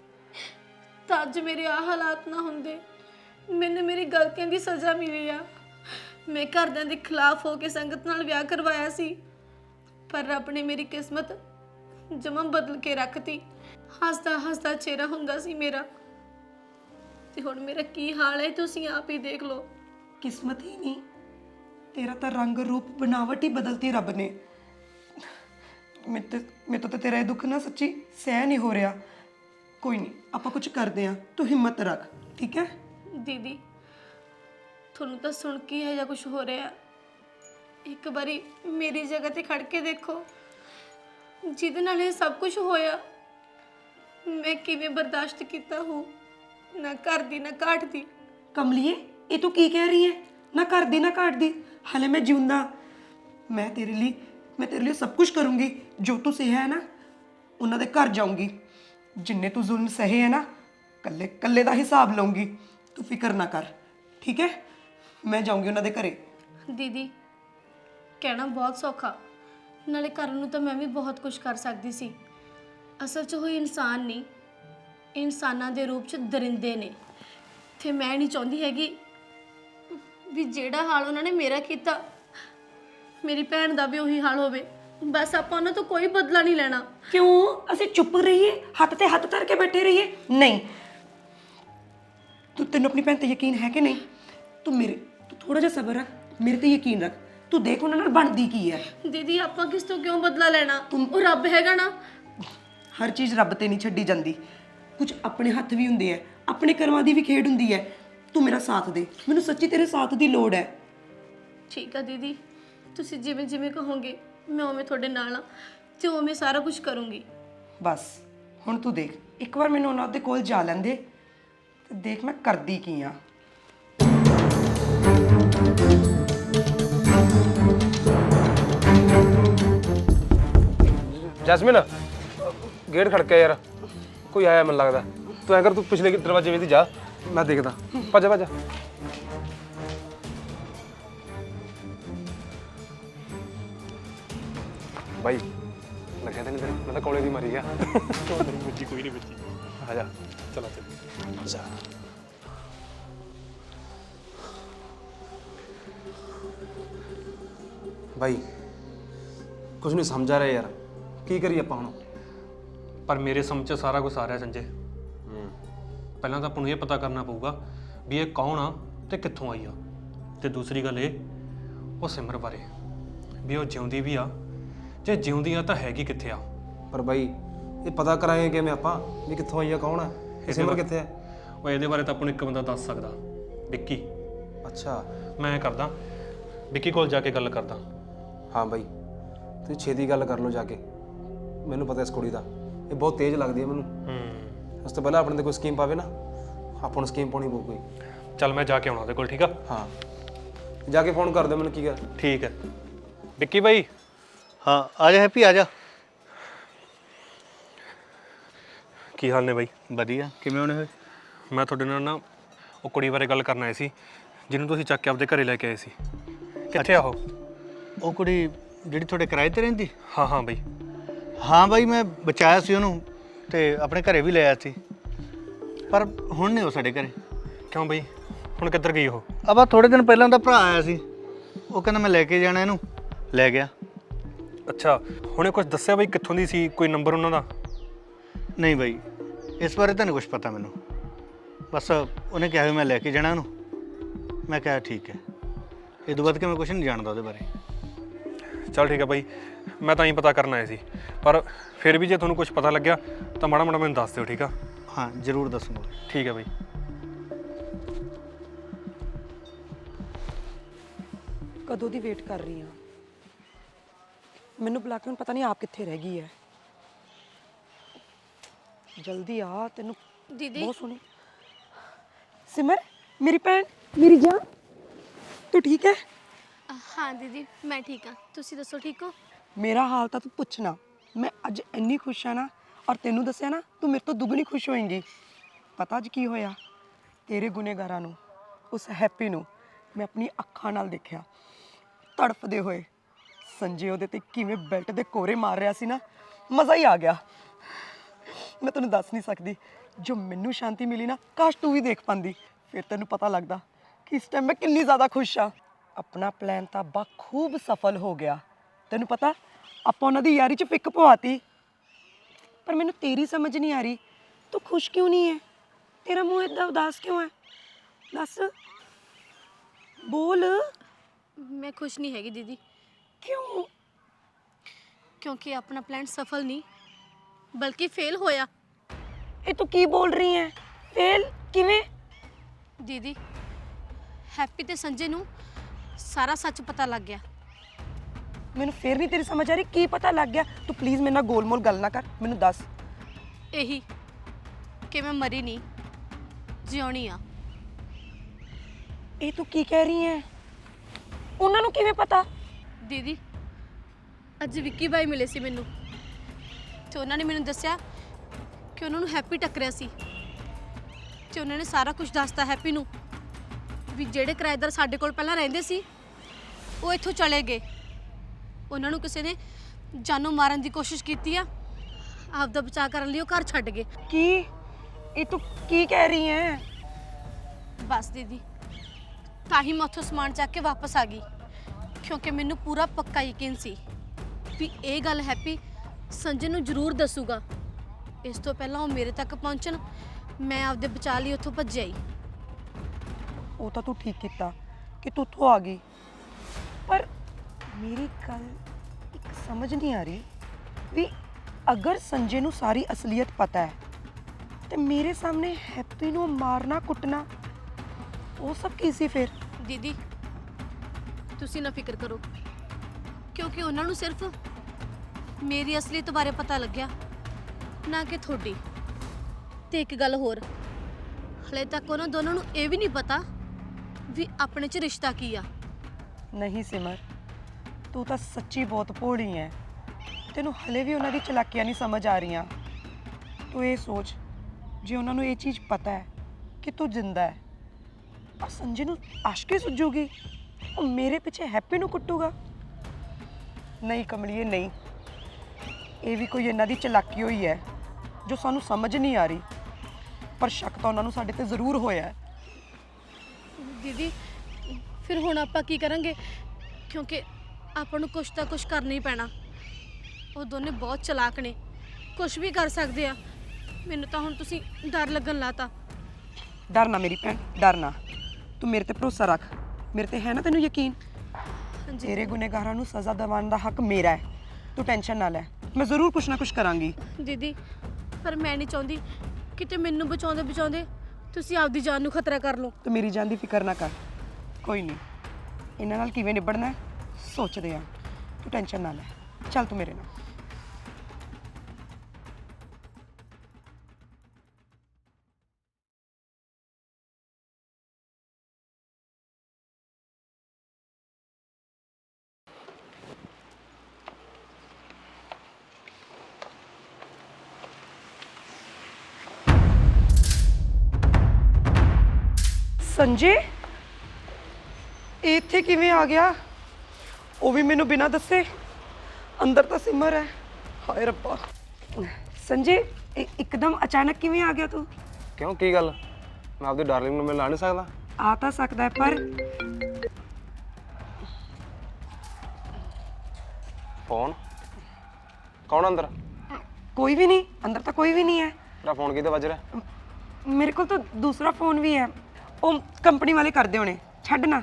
Speaker 4: ਤਾਂ ਅੱਜ ਮੇਰੇ ਆ ਹਾਲਾਤ ਨਾ ਹੁੰਦੇ। ਮੈਨੂੰ ਮੇਰੀ ਗਲਤੀਆਂ ਦੀ ਸਜ਼ਾ ਮਿਲੀ ਆ। ਮੈਂ ਘਰਦਿਆਂ ਦੇ ਖਿਲਾਫ ਹੋ ਕੇ ਸੰਗਤ ਨਾਲ ਵਿਆਹ ਕਰਵਾਇਆ ਸੀ, ਪਰ ਰੱਬ ਨੇ ਮੇਰੀ ਕਿਸਮਤ ਜਮਾਂ ਬਦਲ ਕੇ ਰੱਖਤੀ। ਹੱਸਦਾ ਹੱਸਦਾ ਚਿਹਰਾ ਹੁੰਦਾ ਸੀ ਮੇਰਾ, ਤੇ ਹੁਣ ਮੇਰਾ ਕੀ ਹਾਲ ਹੈ ਤੁਸੀਂ ਆਪ ਹੀ ਦੇਖ ਲਓ।
Speaker 1: ਕਿਸਮਤ ਹੀ ਨਹੀਂ, ਤੇਰਾ ਤਾਂ ਰੰਗ ਰੂਪ ਬਣਾਵਟ ਹੀ ਬਦਲਤੀ ਰੱਬ ਨੇ। ਮੈਂ ਤੇ ਮੇਰੇ ਤੋਂ ਤਾਂ ਤੇਰਾ ਇਹ ਦੁੱਖ ਨਾ ਸੱਚੀ ਸਹਿ ਨਹੀਂ ਹੋ ਰਿਹਾ। ਕੋਈ ਨਹੀਂ, ਆਪਾਂ ਕੁਝ ਕਰਦੇ ਹਾਂ, ਤੂੰ ਹਿੰਮਤ ਰੱਖ, ਠੀਕ ਹੈ?
Speaker 4: ਦੀਦੀ ਤੁਹਾਨੂੰ ਤਾਂ ਸੁਣ ਕੇ ਹੈ ਜਾਂ ਕੁਝ ਹੋ ਰਿਹਾ, ਇੱਕ ਵਾਰੀ ਮੇਰੀ ਜਗ੍ਹਾ ਤੇ ਖੜ ਕੇ ਦੇਖੋ। ਜਿਹਦੇ ਨਾਲ ਇਹ ਸਭ ਕੁਝ ਹੋਇਆ ਮੈਂ ਕਿਵੇਂ ਬਰਦਾਸ਼ਤ ਕੀਤਾ ਹੋ, ਨਾ ਘਰ ਦੀ ਨਾ ਘਾਟ ਦੀ।
Speaker 1: ਕਮਲੀਏ, ਇਹ ਤੂੰ ਕੀ ਕਹਿ ਰਹੀ ਹੈ? ਨਾ ਘਰ ਦੀ ਨਾ ਘਾਟ ਦੀ। ਹਲੇ ਮੈਂ ਜਿਉਂਦਾ, ਮੈਂ ਤੇਰੇ ਲਈ ਮੈਂ ਤੇਰੇ ਲਈ ਸਭ ਕੁਝ ਕਰੂੰਗੀ। ਜੋ ਤੂੰ ਸਹਿਆ ਹੈ ਨਾ, ਉਹਨਾਂ ਦੇ ਘਰ ਜਾਊਂਗੀ। ਜਿੰਨੇ ਤੂੰ ਜ਼ੁਲਮ ਸਹੇ ਹੈ ਨਾ, ਕੱਲੇ ਕੱਲੇ ਦਾ ਹਿਸਾਬ ਲਊਂਗੀ। ਤੂੰ ਫਿਕਰ ਨਾ ਕਰ, ਠੀਕ ਹੈ? ਮੈਂ ਜਾਊਂਗੀ ਉਹਨਾਂ ਦੇ ਘਰੇ।
Speaker 4: ਦੀਦੀ ਕਹਿਣਾ ਬਹੁਤ ਸੌਖਾ, ਨਾਲੇ ਕਰਨ ਨੂੰ ਤਾਂ ਮੈਂ ਵੀ ਬਹੁਤ ਕੁਝ ਕਰ ਸਕਦੀ ਸੀ। ਅਸਲ 'ਚ ਉਹ ਇਨਸਾਨ ਨਹੀਂ, ਇਨਸਾਨਾਂ ਦੇ ਰੂਪ 'ਚ ਦਰਿੰਦੇ ਨੇ। ਤੇ ਮੈਂ ਨਹੀਂ ਚਾਹੁੰਦੀ ਹੈਗੀ ਵੀ ਜਿਹੜਾ ਹਾਲ ਉਹਨਾਂ ਨੇ ਮੇਰਾ ਕੀਤਾ ਮੇਰੀ ਭੈਣ ਦਾ ਵੀ ਉਹੀ ਹਾਲ ਹੋਵੇ। ਬਸ ਆਪਾਂ ਉਹਨਾਂ ਤੋਂ ਕੋਈ ਬਦਲਾ ਨਹੀਂ ਲੈਣਾ।
Speaker 1: ਕਿਉਂ ਅਸੀਂ ਚੁੱਪ ਰਹੀਏ, ਹੱਥ ਤੇ ਹੱਥ ਧਰ ਕੇ ਬੈਠੇ ਰਹੀਏ? ਨਹੀਂ, ਤੂੰ ਤੈਨੂੰ ਆਪਣੀ ਭੈਣ ਤੇ ਯਕੀਨ ਹੈ ਕਿ ਨਹੀਂ? ਤੂੰ ਮੇਰੇ ਤੂੰ ਥੋੜਾ ਜਿਹਾ ਸਬਰ ਰੱਖ, ਮੇਰੇ ਤੇ ਯਕੀਨ ਰੱਖ। ਤੂੰ ਦੇਖ ਉਹਨਾਂ ਨਾਲ ਬਣਦੀ ਕੀ ਹੈ।
Speaker 4: ਦੀਦੀ ਆਪਾਂ ਕਿਸ ਤੋਂ ਕਿਉਂ ਬਦਲਾ ਲੈਣਾ? ਉਹ ਰੱਬ ਹੈਗਾ ਨਾ।
Speaker 1: ਹਰ ਚੀਜ਼ ਰੱਬ ਤੇ ਨਹੀਂ ਛੱਡੀ ਜਾਂਦੀ, ਕੁਝ ਆਪਣੇ ਹੱਥ ਵੀ ਹੁੰਦੇ ਐ, ਆਪਣੇ ਕਰਮਾਂ ਦੀ ਵੀ ਖੇਡ ਹੁੰਦੀ ਹੈ। ਤੂੰ ਮੇਰਾ ਸਾਥ ਦੇ, ਮੈਨੂੰ ਸੱਚੀ ਤੇਰੇ ਸਾਥ ਦੀ ਲੋੜ ਹੈ।
Speaker 4: ਠੀਕ ਆ ਦੀਦੀ, ਤੁਸੀਂ ਜਿਵੇਂ ਜਿਵੇਂ ਕਹੋਗੇ ਮੈਂ ਉਵੇਂ ਤੁਹਾਡੇ ਨਾਲ ਆ ਤੇ ਉਵੇਂ ਸਾਰਾ ਕੁਝ ਕਰੂੰਗੀ।
Speaker 1: ਬਸ ਹੁਣ ਤੂੰ ਦੇਖ, ਇੱਕ ਵਾਰ ਮੈਨੂੰ ਉਹਨਾਂ ਦੇ ਕੋਲ ਜਾ ਲੈਂਦੇ ਤੇ ਦੇਖ ਮੈਂ ਕਰਦੀ ਕੀ ਆ।
Speaker 2: ਜੈਸਮੀਨ, ਗੇਟ ਖੜਕਿਆ ਯਾਰ, ਕੋਈ ਆਇਆ ਮੈਨੂੰ ਲੱਗਦਾ। ਤੂੰ ਐਂ ਕਰ, ਤੂੰ ਪਿਛਲੇ ਦਰਵਾਜ਼ੇ ਵਿੱਚ ਜਾ, ਮੈਂ ਦੇਖਦਾ। ਭੱਜ ਭੱਜ। ਬਾਈ ਲੱਗਿਆ ਤਾਂ ਨਹੀਂ ਤੇਰੇ? ਮੈਂ ਤਾਂ ਕੋਲੇ ਦੀ ਮਰੀ ਗਿਆ।
Speaker 3: ਬੱਚੀ ਕੋਈ ਨਹੀਂ ਬੱਚੀ।
Speaker 2: ਆ ਜਾ।
Speaker 3: ਚਲੋ ਚਲੋ।
Speaker 2: ਜਾ। ਬਾਈ ਕੁਝ ਨਹੀਂ ਸਮਝ ਆ ਰਿਹਾ ਯਾਰ, ਕੀ ਕਰੀਏ ਆਪਾਂ ਹੁਣ?
Speaker 3: ਪਰ ਮੇਰੇ ਸਮਝ 'ਚ ਸਾਰਾ ਕੁਝ ਆ ਰਿਹਾ ਸੰਜੇ। ਪਹਿਲਾਂ ਤਾਂ ਆਪਾਂ ਨੂੰ ਇਹ ਪਤਾ ਕਰਨਾ ਪਊਗਾ ਵੀ ਇਹ ਕੌਣ ਆ ਤੇ ਕਿੱਥੋਂ ਆਈ ਆ, ਤੇ ਦੂਸਰੀ ਗੱਲ ਇਹ ਉਹ ਸਿਮਰ ਬਾਰੇ ਵੀ ਉਹ ਜਿਉਂਦੀ ਵੀ ਆ, ਜੇ ਜਿਉਂਦੀ ਆ ਤਾਂ ਹੈਗੀ ਕਿੱਥੇ ਆ।
Speaker 2: ਪਰ ਬਾਈ ਇਹ ਪਤਾ ਕਰਾਂਗੇ ਕਿਵੇਂ ਆਪਾਂ ਵੀ ਕਿੱਥੋਂ ਆਈ ਆ, ਕੌਣ ਹੈ, ਇਹ ਸਿਮਰ ਕਿੱਥੇ ਹੈ?
Speaker 3: ਉਹ ਇਹਦੇ ਬਾਰੇ ਤਾਂ ਆਪਾਂ ਨੂੰ ਇੱਕ ਬੰਦਾ ਦੱਸ ਸਕਦਾ, ਵਿੱਕੀ।
Speaker 2: ਅੱਛਾ।
Speaker 3: ਮੈਂ ਕਰਦਾ ਵਿੱਕੀ ਕੋਲ ਜਾ ਕੇ ਗੱਲ ਕਰਦਾ।
Speaker 2: ਹਾਂ ਬਾਈ ਤੁਸੀਂ ਛੇਤੀ ਗੱਲ ਕਰ ਲਓ ਜਾ ਕੇ। ਮੈਨੂੰ ਪਤਾ ਇਸ ਕੁੜੀ ਦਾ, ਇਹ ਬਹੁਤ ਤੇਜ਼ ਲੱਗਦੀ ਹੈ ਮੈਨੂੰ।
Speaker 3: ਹੂੰ,
Speaker 2: ਉਸ ਤੋਂ ਪਹਿਲਾਂ ਆਪਣੇ ਤੇ ਕੋਈ ਸਕੀਮ ਪਾਵੇ ਨਾ, ਆਪਾਂ ਨੂੰ ਸਕੀਮ ਪਾਉਣੀ ਪਊ ਕੋਈ।
Speaker 3: ਚੱਲ ਮੈਂ ਜਾ ਕੇ ਆਉਣਾ ਉਹਦੇ ਕੋਲ, ਠੀਕ ਆ?
Speaker 2: ਹਾਂ ਜਾ ਕੇ ਫੋਨ ਕਰ ਦਿਓ ਮੈਨੂੰ। ਕੀ ਗੱਲ?
Speaker 3: ਠੀਕ ਹੈ ਵਿੱਕੀ ਬਾਈ।
Speaker 8: ਹਾਂ ਆ ਜਾ ਹੈਪੀ, ਆ ਜਾ।
Speaker 3: ਕੀ ਹਾਲ ਨੇ ਬਾਈ?
Speaker 8: ਵਧੀਆ, ਕਿਵੇਂ ਹੋਣੇ ਹੋਏ?
Speaker 3: ਮੈਂ ਤੁਹਾਡੇ ਨਾਲ ਨਾ ਉਹ ਕੁੜੀ ਬਾਰੇ ਗੱਲ ਕਰਨ ਆਏ ਸੀ ਜਿਹਨੂੰ ਤੁਸੀਂ ਚੱਕ ਕੇ ਆਪਦੇ ਘਰੇ ਲੈ ਕੇ ਆਏ ਸੀ। ਕਿੱਥੇ ਆ ਉਹ?
Speaker 8: ਉਹ ਕੁੜੀ ਜਿਹੜੀ ਤੁਹਾਡੇ ਕਿਰਾਏ ਤੇ ਰਹਿੰਦੀ?
Speaker 3: ਹਾਂ ਹਾਂ ਬਾਈ।
Speaker 8: ਹਾਂ ਬਾਈ, ਮੈਂ ਬਚਾਇਆ ਸੀ ਉਹਨੂੰ ਤੇ ਆਪਣੇ ਘਰੇ ਵੀ ਲੈ ਆਇਆ ਸੀ, ਪਰ ਹੁਣ ਨਹੀਂ ਉਹ ਸਾਡੇ ਘਰੇ।
Speaker 3: ਕਿਉਂ ਬਾਈ, ਹੁਣ ਕਿੱਧਰ ਗਈ ਉਹ?
Speaker 8: ਅਬਾ ਥੋੜੇ ਦਿਨ ਪਹਿਲਾਂ ਦਾ ਭਰਾ ਆਇਆ ਸੀ, ਉਹ ਕਹਿੰਦਾ ਮੈਂ ਲੈ ਕੇ ਜਾਣਾ ਇਹਨੂੰ, ਲੈ ਗਿਆ।
Speaker 3: ਅੱਛਾ, ਹੁਣੇ ਕੁਝ ਦੱਸਿਆ ਬਾਈ ਕਿੱਥੋਂ ਦੀ ਸੀ, ਕੋਈ ਨੰਬਰ ਉਹਨਾਂ ਦਾ?
Speaker 8: ਨਹੀਂ ਬਾਈ, ਇਸ ਬਾਰੇ ਤਾਂ ਨਹੀਂ ਕੁਝ ਪਤਾ ਮੈਨੂੰ। ਬਸ ਉਹਨੇ ਕਿਹਾ ਵੀ ਮੈਂ ਲੈ ਕੇ ਜਾਣਾ ਉਹਨੂੰ, ਮੈਂ ਕਿਹਾ ਠੀਕ ਹੈ। ਇਹ ਤੋਂ ਬਾਅਦ ਕਿ ਮੈਂ ਕੁਝ ਨਹੀਂ ਜਾਣਦਾ ਉਹਦੇ ਬਾਰੇ।
Speaker 3: ਚੱਲ ਠੀਕ ਹੈ ਬਾਈ, ਮੈਂ ਤਾਂ ਹੀ ਪਤਾ ਕਰਨ ਆਇਆ ਸੀ, ਪਰ ਫਿਰ ਵੀ ਜੇ ਤੁਹਾਨੂੰ ਕੁਝ ਪਤਾ ਲੱਗਿਆ ਤਾਂ ਮਾੜਾ ਮਾੜਾ ਮੈਨੂੰ ਦੱਸ ਦਿਓ, ਠੀਕ ਆ?
Speaker 8: ਹਾਂ ਜ਼ਰੂਰ ਦੱਸੂਗਾ।
Speaker 3: ਠੀਕ ਹੈ ਬਾਈ।
Speaker 1: ਕਦੋਂ ਦੀ ਵੇਟ ਕਰ ਰਹੀ ਹਾਂ, ਮੈਨੂੰ ਬੁਲਾ ਕੇ ਹੁਣ ਪਤਾ ਨਹੀਂ ਆਪ ਕਿੱਥੇ ਰਹਿ ਗਈ ਹੈ। ਜਲਦੀ ਆ, ਤੈਨੂੰ
Speaker 4: ਦੀਦੀ
Speaker 1: ਬਹੁਤ ਸੋਹਣੀ। ਸਿਮਰ ਮੇਰੀ ਭੈਣ, ਮੇਰੀ ਜਾਨ, ਤੂੰ ਠੀਕ ਹੈ?
Speaker 4: ਹਾਂ ਦੀਦੀ ਮੈਂ ਠੀਕ ਆ, ਤੁਸੀਂ ਦੱਸੋ ਠੀਕ ਹੋ?
Speaker 1: ਮੇਰਾ ਹਾਲ ਤਾਂ ਤੂੰ ਪੁੱਛਣਾ, ਮੈਂ ਅੱਜ ਇੰਨੀ ਖੁਸ਼ ਆ ਨਾ, ਔਰ ਤੈਨੂੰ ਦੱਸਿਆ ਨਾ ਤੂੰ ਮੇਰੇ ਤੋਂ ਦੁੱਗਣੀ ਖੁਸ਼ ਹੋਏਂਗੀ। ਪਤਾ ਅੱਜ ਕੀ ਹੋਇਆ? ਤੇਰੇ ਗੁਨੇਗਾਰਾਂ ਨੂੰ, ਉਸ ਹੈਪੀ ਨੂੰ ਮੈਂ ਆਪਣੀ ਅੱਖਾਂ ਨਾਲ ਦੇਖਿਆ ਤੜਫਦੇ ਹੋਏ। ਸੰਜੇ ਉਹਦੇ ਤੇ ਕਿਵੇਂ ਬੈਲਟ ਦੇ ਕੋਰੇ ਮਾਰ ਰਿਹਾ ਸੀ ਨਾ, ਮਜ਼ਾ ਹੀ ਆ ਗਿਆ। ਮੈਂ ਤੈਨੂੰ ਦੱਸ ਨਹੀਂ ਸਕਦੀ, ਜੋ ਮੈਨੂੰ ਸ਼ਾਂਤੀ ਮਿਲੀ ਨਾ, ਕਾਸ਼ ਤੂੰ ਵੀ ਦੇਖ ਪਾਂਦੀ, ਫਿਰ ਤੈਨੂੰ ਪਤਾ ਲੱਗਦਾ ਕਿ ਇਸ ਟਾਈਮ ਮੈਂ ਕਿੰਨੀ ਜ਼ਿਆਦਾ ਖੁਸ਼ ਆ। ਆਪਣਾ ਪਲਾਨ ਤਾਂ ਬਖੂਬ ਸਫਲ ਹੋ ਗਿਆ। ਤੈਨੂੰ ਪਤਾ ਆਪਾਂ ਉਹਨਾਂ ਦੀ ਯਾਰੀ 'ਚ ਫਿੱਕ ਪਵਾਤੀ, ਪਰ ਮੈਨੂੰ ਤੇਰੀ ਸਮਝ ਨਹੀਂ ਆ ਰਹੀ, ਤੂੰ ਖੁਸ਼ ਕਿਉਂ ਨਹੀਂ ਹੈ? ਤੇਰਾ ਮੂੰਹ ਏਦਾਂ ਉਦਾਸ ਕਿਉਂ ਹੈ? ਦੱਸ, ਬੋਲ।
Speaker 4: ਮੈਂ ਖੁਸ਼ ਨਹੀਂ ਹੈਗੀ ਦੀਦੀ,
Speaker 1: ਕਿਉਂ?
Speaker 4: ਕਿਉਂਕਿ ਆਪਣਾ ਪਲਾਨ ਸਫਲ ਨਹੀਂ ਬਲਕਿ ਫੇਲ ਹੋਇਆ।
Speaker 1: ਇਹ ਤੂੰ ਕੀ ਬੋਲ ਰਹੀ ਹੈ? ਫੇਲ ਕਿਵੇਂ?
Speaker 4: ਦੀਦੀ ਹੈਪੀ ਤੇ ਸੰਜੇ ਨੂੰ ਸਾਰਾ ਸੱਚ ਪਤਾ ਲੱਗ ਗਿਆ।
Speaker 1: ਮੈਨੂੰ ਫੇਰ ਨਹੀਂ ਤੇਰੀ ਸਮਝ ਆ ਰਹੀ, ਕੀ ਪਤਾ ਲੱਗ ਗਿਆ? ਤੂੰ ਪਲੀਜ਼ ਮੇਰੇ ਨਾਲ ਗੋਲਮੋਲ ਗੱਲ ਨਾ ਕਰ, ਮੈਨੂੰ ਦੱਸ।
Speaker 4: ਇਹੀ ਕਿ ਮੈਂ ਮਰੀ ਨਹੀਂ, ਜਿਉਣੀ ਆ।
Speaker 1: ਇਹ ਤੂੰ ਕੀ ਕਹਿ ਰਹੀ ਹੈ? ਉਹਨਾਂ ਨੂੰ ਕਿਵੇਂ ਪਤਾ?
Speaker 4: ਦੀਦੀ ਅੱਜ ਵਿੱਕੀ ਬਾਈ ਮਿਲੇ ਸੀ ਮੈਨੂੰ, ਤੇ ਉਹਨਾਂ ਨੇ ਮੈਨੂੰ ਦੱਸਿਆ ਕਿ ਉਹਨਾਂ ਨੂੰ ਹੈਪੀ ਟੱਕਰਿਆ ਸੀ, ਤੇ ਉਹਨਾਂ ਨੇ ਸਾਰਾ ਕੁਝ ਦੱਸਤਾ ਹੈਪੀ ਨੂੰ ਵੀ ਜਿਹੜੇ ਕਿਰਾਏਦਾਰ ਸਾਡੇ ਕੋਲ ਪਹਿਲਾਂ ਰਹਿੰਦੇ ਸੀ ਉਹ ਇੱਥੋਂ ਚਲੇ ਗਏ। ਉਹਨਾਂ ਨੂੰ ਕਿਸੇ ਨੇ ਜਾਨੋਂ ਮਾਰਨ ਦੀ ਕੋਸ਼ਿਸ਼ ਕੀਤੀ ਆ, ਆਪਦਾ ਬਚਾਅ ਕਰਨ ਲਈ ਉਹ ਘਰ ਛੱਡ ਗਏ।
Speaker 1: ਕੀ ਇਹ ਤੂੰ ਕੀ ਕਹਿ ਰਹੀ ਹੈ?
Speaker 4: ਬਸ ਦੀਦੀ, ਤਾਂ ਹੀ ਮੈਂ ਉੱਥੋਂ ਸਮਾਨ ਚੱਕ ਕੇ ਵਾਪਸ ਆ ਗਈ, ਕਿਉਂਕਿ ਮੈਨੂੰ ਪੂਰਾ ਪੱਕਾ ਯਕੀਨ ਸੀ ਵੀ ਇਹ ਗੱਲ ਹੈਪੀ ਸੰਜੇ ਨੂੰ ਜ਼ਰੂਰ ਦੱਸੂਗਾ। ਇਸ ਤੋਂ ਪਹਿਲਾਂ ਉਹ ਮੇਰੇ ਤੱਕ ਪਹੁੰਚਣ, ਮੈਂ ਆਪਦੇ ਬਚਾਅ ਲਈ ਉੱਥੋਂ ਭੱਜ ਆਈ।
Speaker 1: ਉਹ ਤਾਂ ਤੂੰ ਠੀਕ ਕੀਤਾ ਕਿ ਤੂੰ ਉੱਥੋਂ ਆ ਗਈ, ਪਰ ਮੇਰੀ ਗੱਲ ਇੱਕ ਸਮਝ ਨਹੀਂ ਆ ਰਹੀ ਵੀ ਅਗਰ ਸੰਜੇ ਨੂੰ ਸਾਰੀ ਅਸਲੀਅਤ ਪਤਾ ਹੈ ਤੇ ਮੇਰੇ ਸਾਹਮਣੇ ਹੈਪੀ ਨੂੰ ਮਾਰਨਾ ਕੁੱਟਣਾ ਉਹ ਸਭ ਕੀ ਸੀ ਫਿਰ?
Speaker 4: ਦੀਦੀ ਤੁਸੀਂ ਨਾ ਫਿਕਰ ਕਰੋ, ਕਿਉਂਕਿ ਉਹਨਾਂ ਨੂੰ ਸਿਰਫ ਮੇਰੀ ਅਸਲੀਅਤ ਬਾਰੇ ਪਤਾ ਲੱਗਿਆ, ਨਾ ਕਿ ਤੁਹਾਡੀ। ਤੇ ਇੱਕ ਗੱਲ ਹੋਰ, ਹਲੇ ਤੱਕ ਉਹਨਾਂ ਦੋਨਾਂ ਨੂੰ ਇਹ ਵੀ ਨਹੀਂ ਪਤਾ ਵੀ ਆਪਣੇ 'ਚ ਰਿਸ਼ਤਾ ਕੀ ਆ।
Speaker 1: ਨਹੀਂ ਸਿਮਰ, ਤੂੰ ਤਾਂ ਸੱਚੀ ਬਹੁਤ ਭੋਲੀ ਹੈ। ਤੈਨੂੰ ਹਲੇ ਵੀ ਉਹਨਾਂ ਦੀ ਚਲਾਕੀਆਂ ਨਹੀਂ ਸਮਝ ਆ ਰਹੀਆਂ। ਤੂੰ ਇਹ ਸੋਚ, ਜੇ ਉਹਨਾਂ ਨੂੰ ਇਹ ਚੀਜ਼ ਪਤਾ ਹੈ ਕਿ ਤੂੰ ਜਿੰਦਾ ਹੈ, ਆ ਸੰਜੇ ਨੂੰ ਆਸ਼ਕੀ ਸੁੱਜੂਗੀ, ਉਹ ਮੇਰੇ ਪਿੱਛੇ ਹੈਪੀ ਨੂੰ ਕੁੱਟੂਗਾ। ਨਹੀਂ ਕਮਲੀਏ ਨਹੀਂ, ਇਹ ਵੀ ਕੋਈ ਇਹਨਾਂ ਦੀ ਚਲਾਕੀ ਹੋਈ ਹੈ ਜੋ ਸਾਨੂੰ ਸਮਝ ਨਹੀਂ ਆ ਰਹੀ, ਪਰ ਸ਼ੱਕ ਤਾਂ ਉਹਨਾਂ ਨੂੰ ਸਾਡੇ ਤੇ ਜ਼ਰੂਰ ਹੋਇਆ ਹੈ।
Speaker 4: ਦੀਦੀ ਫਿਰ ਹੁਣ ਆਪਾਂ ਕੀ ਕਰਾਂਗੇ, ਕਿਉਂਕਿ ਆਪਾਂ ਨੂੰ ਕੁਛ ਤਾਂ ਕੁਛ ਕਰਨਾ ਹੀ ਪੈਣਾ। ਉਹ ਦੋਨੇ ਬਹੁਤ ਚਲਾਕ ਨੇ, ਕੁਛ ਵੀ ਕਰ ਸਕਦੇ ਆ। ਮੈਨੂੰ ਤਾਂ ਹੁਣ ਤੁਸੀਂ ਡਰ ਲੱਗਣ ਲਾਤਾ।
Speaker 1: ਡਰ ਨਾ ਮੇਰੀ ਭੈਣ, ਡਰ ਨਾ, ਤੂੰ ਮੇਰੇ ਤੇ ਭਰੋਸਾ ਰੱਖ। ਮੇਰੇ ਤੇ ਹੈ ਨਾ ਤੈਨੂੰ ਯਕੀਨ?
Speaker 4: ਹਾਂਜੀ
Speaker 1: ਤੇਰੇ ਗੁਨੇਗਾਰਾਂ ਨੂੰ ਸਜ਼ਾ ਦਿਵਾਉਣ ਦਾ ਹੱਕ ਮੇਰਾ ਹੈ। ਤੂੰ ਟੈਨਸ਼ਨ ਨਾ ਲੈ, ਮੈਂ ਜ਼ਰੂਰ ਕੁਛ ਨਾ ਕੁਛ ਕਰਾਂਗੀ।
Speaker 4: ਦੀਦੀ, ਪਰ ਮੈਂ ਨਹੀਂ ਚਾਹੁੰਦੀ ਕਿਤੇ ਮੈਨੂੰ ਬਚਾਉਂਦੇ ਬਚਾਉਂਦੇ ਤੁਸੀਂ ਆਪਦੀ ਜਾਨ ਨੂੰ ਖਤਰਾ ਕਰ ਲਓ।
Speaker 1: ਤੂੰ ਮੇਰੀ ਜਾਨ ਦੀ ਫਿਕਰ ਨਾ ਕਰ, ਕੋਈ ਨਹੀਂ, ਇਹਨਾਂ ਨਾਲ ਕਿਵੇਂ ਨਿਬੜਨਾ ਹੈ ਸੋਚਦੇ ਆ। ਤੂੰ ਟੈਨਸ਼ਨ ਨਾ ਲੈ, ਚੱਲ ਤੂੰ ਮੇਰੇ ਨਾਲ। ਸੰਜੇ ਇਹ ਇੱਥੇ ਕਿਵੇਂ ਆ ਗਿਆ? ਉਹ ਵੀ ਮੈਨੂੰ ਬਿਨਾਂ ਦੱਸੇ। ਅੰਦਰ ਤਾਂ ਸਿਮਰ ਹੈ। ਹਾਏ ਰੱਬਾ, ਸੰਜੇ ਇ- ਇੱਕਦਮ ਅਚਾਨਕ ਕਿਵੇਂ ਆ ਗਿਆ ਤੂੰ?
Speaker 2: ਕਿਉਂ, ਕੀ ਗੱਲ? ਮੈਂ ਆਪਦੀ ਡਾਰਲਿੰਗ ਨੂੰ ਮਿਲ ਆ ਨਹੀਂ ਸਕਦਾ?
Speaker 1: ਆ ਤਾਂ ਸਕਦਾ ਹੈ, ਪਰ
Speaker 2: ਫੋਨ ਕੌਣ ਅੰਦਰ?
Speaker 1: ਕੋਈ ਵੀ ਨਹੀਂ ਅੰਦਰ, ਤਾਂ ਕੋਈ ਵੀ ਨਹੀਂ ਹੈ।
Speaker 2: ਤੇਰਾ ਫੋਨ ਕਿਹਦੇ ਵੱਜ ਰਿਹਾ?
Speaker 1: ਮੇਰੇ ਕੋਲ ਤਾਂ ਦੂਸਰਾ ਫੋਨ ਵੀ ਹੈ, ਉਹ ਕੰਪਨੀ ਵਾਲੇ ਕਰਦੇ ਹੋਣੇ, ਛੱਡ ਨਾ।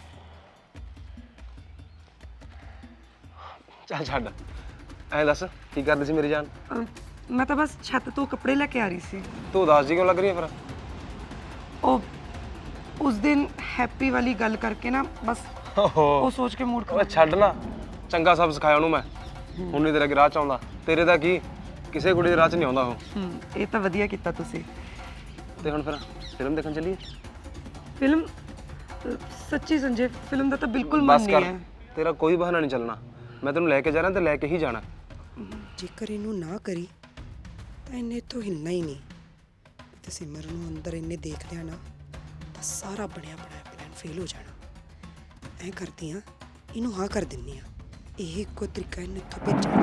Speaker 2: ਚੱਲ ਛੱਡ, ਐਂ ਦੱਸ ਕੀ ਕਰਦੀ ਸੀ ਮੇਰੀ ਜਾਨ?
Speaker 1: ਅਮ, ਮੈਂ ਤਾਂ ਬਸ ਛੱਤ ਤੋਂ ਕੱਪੜੇ ਲੈ ਕੇ ਆ ਰਹੀ ਸੀ।
Speaker 2: ਤੂੰ ਉਦਾਸ ਜੀ ਕਿਉਂ ਲੱਗ ਰਹੀ ਹੈ ਫਿਰ?
Speaker 1: ਉਹ ਉਸ ਦਿਨ ਹੈਪੀ ਵਾਲੀ ਗੱਲ ਕਰਕੇ ਨਾ, ਬਸ ਉਹ ਸੋਚ ਕੇ ਮੂਡ
Speaker 2: ਓਏ ਛੱਡ ਨਾ, ਚੰਗਾ ਸਭ ਸਿਖਾਇਆ ਉਹਨੂੰ ਮੈਂ। ਹੁਣ ਨਹੀਂ ਤੇਰੇ ਰਾਹ ਚ ਆਉਂਦਾ। ਤੇਰੇ ਦਾ ਕੀ, ਕਿਸੇ ਕੁੜੀ ਦੇ ਰਾਹ ਚ ਨਹੀਂ ਆਉਂਦਾ ਉਹ।
Speaker 1: ਹੂੰ, ਇਹ ਤਾਂ ਵਧੀਆ ਕੀਤਾ ਤੁਸੀਂ।
Speaker 2: ਤੇ ਹੁਣ ਫਿਰ ਫਿਲਮ ਦੇਖਣ ਚੱਲੀਏ?
Speaker 1: ਫਿਲਮ ਅ, ਸੱਚੀ ਸੰਜੇ, ਫਿਲਮ ਦਾ ਤਾਂ ਬਿਲਕੁਲ ਮਨ
Speaker 2: ਬਸ
Speaker 1: ਨਹੀਂ
Speaker 2: ਕਰ,
Speaker 1: ਹੈ।
Speaker 2: ਤੇਰਾ ਕੋਈ ਬਹਾਨਾ ਨਹੀਂ ਚੱਲਣਾ। ਮੈਂ ਤੈਨੂੰ ਲੈ ਕੇ ਜਾ ਰਿਹਾ ਤੇ ਲੈ ਕੇ ਹੀ ਜਾਣਾ।
Speaker 1: ਜੇਕਰ ਇਹਨੂੰ ਨਾ ਕਰੀ ਤਾਂ ਇਹਨੇ ਇੱਥੋਂ ਹਿੱਲਣਾ ਹੀ ਨਹੀਂ। ਤੇ ਸਿਮਰ ਨੂੰ ਅੰਦਰ ਇਹਨੇ ਦੇਖ ਲਿਆ ਨਾ ਤਾਂ ਸਾਰਾ ਬਣਿਆ ਬਣਾਇਆ ਪਲਾਨ ਫੇਲ ਹੋ ਜਾਣਾ। ਐਂ ਕਰਦੀ ਆ, ਇਹਨੂੰ ਹਾਂ ਕਰ ਦਿੰਨੀ ਆ। ਇਹ ਇੱਕੋ ਤਰੀਕਾ ਇਹਨੂੰ ਇੱਥੋਂ ਭੇਜਣ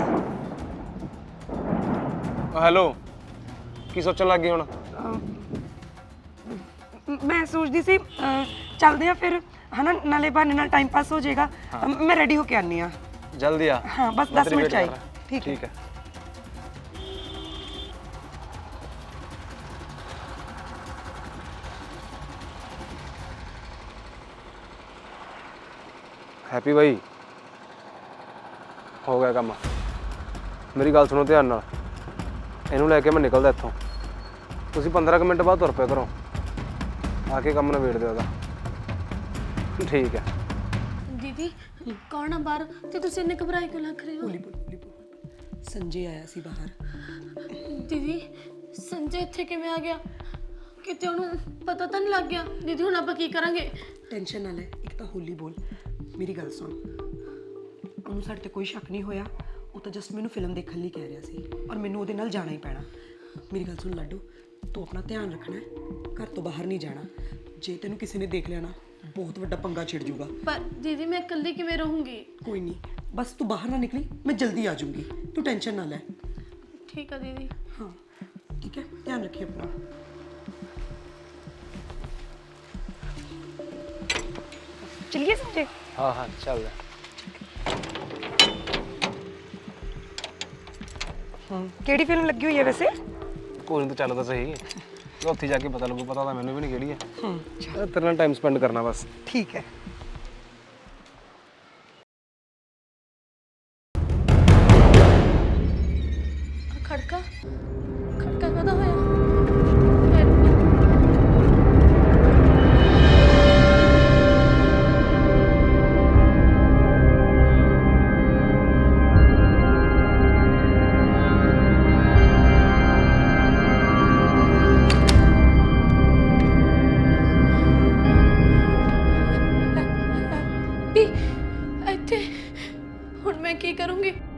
Speaker 1: ਦਾ।
Speaker 2: ਹੈਲੋ, ਕੀ ਸੋਚਣ ਲੱਗ ਗਈ ਹੁਣ?
Speaker 1: ਮੈਂ ਸੋਚਦੀ ਸੀ ਅ, ਚੱਲਦੇ ਆ ਫਿਰ, ਹਨਾ, ਨਾਲੇ ਬਹਾਨੇ ਨਾਲ ਟਾਈਮ ਪਾਸ ਹੋ ਜਾਏਗਾ। ਅ, ਮੈਂ ਰੈਡੀ ਹੋ ਕੇ ਆਨੀ ਆ।
Speaker 2: ਜਲਦੀ ਆ।
Speaker 1: ਹਾਂ, ਬਸ
Speaker 2: ਮੈਂ
Speaker 1: ਦਸ
Speaker 2: ਤੇਰੀ
Speaker 1: ਮਿੰਟ
Speaker 2: wait
Speaker 1: ਚਾਹੀਏ।
Speaker 2: ਕਰ ਰਿਹਾ।
Speaker 1: ਠੀਕ ਹੈ।
Speaker 2: ਠੀਕ ਹੈ। ਹੈਪੀ ਬਾਈ, ਹੋ ਗਿਆ ਕੰਮ। ਮੇਰੀ ਗੱਲ ਸੁਣੋ ਧਿਆਨ ਨਾਲ, ਇਹਨੂੰ ਲੈ ਕੇ ਮੈਂ ਨਿਕਲਦਾ ਇੱਥੋਂ। ਤੁਸੀਂ ਪੰਦਰਾਂ ਕੁ ਮਿੰਟ ਬਾਅਦ ਤੁਰ ਪਿਆ ਕਰੋ, ਆ ਕੇ ਕੰਮ ਨਿਬੇੜ ਦਿਓ ਉਹਦਾ। ਠੀਕ ਹੈ।
Speaker 4: ਦੀਦੀ ਕੌਣ ਆ ਬਾਹਰ ਤੇ ਤੁਸੀਂ ਇੰਨੇ ਘਬਰਾਏ ਕਿਉਂ ਲੱਗ ਰਹੇ ਹੋ?
Speaker 1: ਸੰਜੇ ਆਇਆ ਸੀ ਬਾਹਰ।
Speaker 4: ਦੀਦੀ ਸੰਜੇ ਇੱਥੇ ਕਿਵੇਂ ਆ ਗਿਆ? ਕਿਤੇ ਉਹਨੂੰ ਪਤਾ ਤਾਂ ਨਹੀਂ ਲੱਗ ਗਿਆ? ਦੀਦੀ ਹੁਣ ਆਪਾਂ ਕੀ ਕਰਾਂਗੇ?
Speaker 1: ਟੈਨਸ਼ਨ ਨਾ ਲੈ, ਇੱਕ ਤਾਂ ਹੋਲੀ ਬੋਲ। ਮੇਰੀ ਗੱਲ ਸੁਣ, ਉਹਨੂੰ ਸਾਡੇ ਤੇ ਕੋਈ ਸ਼ੱਕ ਨਹੀਂ ਹੋਇਆ। ਉਹ ਤਾਂ ਜਸਟ ਮੈਨੂੰ ਫਿਲਮ ਦੇਖਣ ਲਈ ਕਹਿ ਰਿਹਾ ਸੀ, ਔਰ ਮੈਨੂੰ ਉਹਦੇ ਨਾਲ ਜਾਣਾ ਹੀ ਪੈਣਾ। ਮੇਰੀ ਗੱਲ ਸੁਣ ਲਾਡੂ, ਤੂੰ ਆਪਣਾ ਧਿਆਨ ਰੱਖਣਾ ਹੈ, ਘਰ ਤੋਂ ਬਾਹਰ ਨਹੀਂ ਜਾਣਾ। ਜੇ ਤੈਨੂੰ ਕਿਸੇ ਨੇ ਦੇਖ ਲਿਆ ਨਾ, ਬਹੁਤ ਵੱਡਾ ਪੰਗਾ ਛਿੜ ਜੂਗਾ।
Speaker 4: ਪਰ ਦੀਦੀ ਮੈਂ ਇਕੱਲੀ ਕਿਵੇਂ ਰਹੂੰਗੀ?
Speaker 1: ਕੋਈ ਨਹੀਂ, ਬਸ ਤੂੰ ਬਾਹਰ ਨਾ ਨਿਕਲੀ, ਮੈਂ ਜਲਦੀ ਆ ਜਾਊਂਗੀ, ਤੂੰ ਟੈਨਸ਼ਨ ਨਾ ਲੈ।
Speaker 4: ਠੀਕ ਆ ਦੀਦੀ।
Speaker 1: ਹਾਂ ਠੀਕ ਹੈ, ਧਿਆਨ ਰੱਖੀ ਆਪਣਾ। ਚਲਿਏ ਸੰਜੇ।
Speaker 2: ਹਾਂ ਹਾਂ ਚੱਲ।
Speaker 1: ਹਾਂ ਕਿਹੜੀ ਫਿਲਮ ਲੱਗੀ ਹੋਈ ਹੈ ਵੈਸੇ?
Speaker 2: ਕੋਈ ਨਹੀਂ, ਤੂੰ ਚੱਲ ਤਾਂ ਸਹੀ, ਉੱਥੇ ਜਾ ਕੇ ਪਤਾ ਲੱਗੂ, ਪਤਾ ਤਾਂ ਮੈਨੂੰ ਵੀ ਨਹੀਂ ਕਿਹੜੀ ਹੈ। ਹਾਂ ਤੇਰੇ ਨਾਲ ਟਾਈਮ ਸਪੈਂਡ ਕਰਨਾ ਬਸ।
Speaker 1: ਠੀਕ ਹੈ।
Speaker 4: ਖੜਕਾ ਖੜਕਾ ਕਦਾ ਹੋਇਆ? ਵੀ ਇੱਥੇ ਹੁਣ ਮੈਂ ਕੀ ਕਰੂੰਗੀ?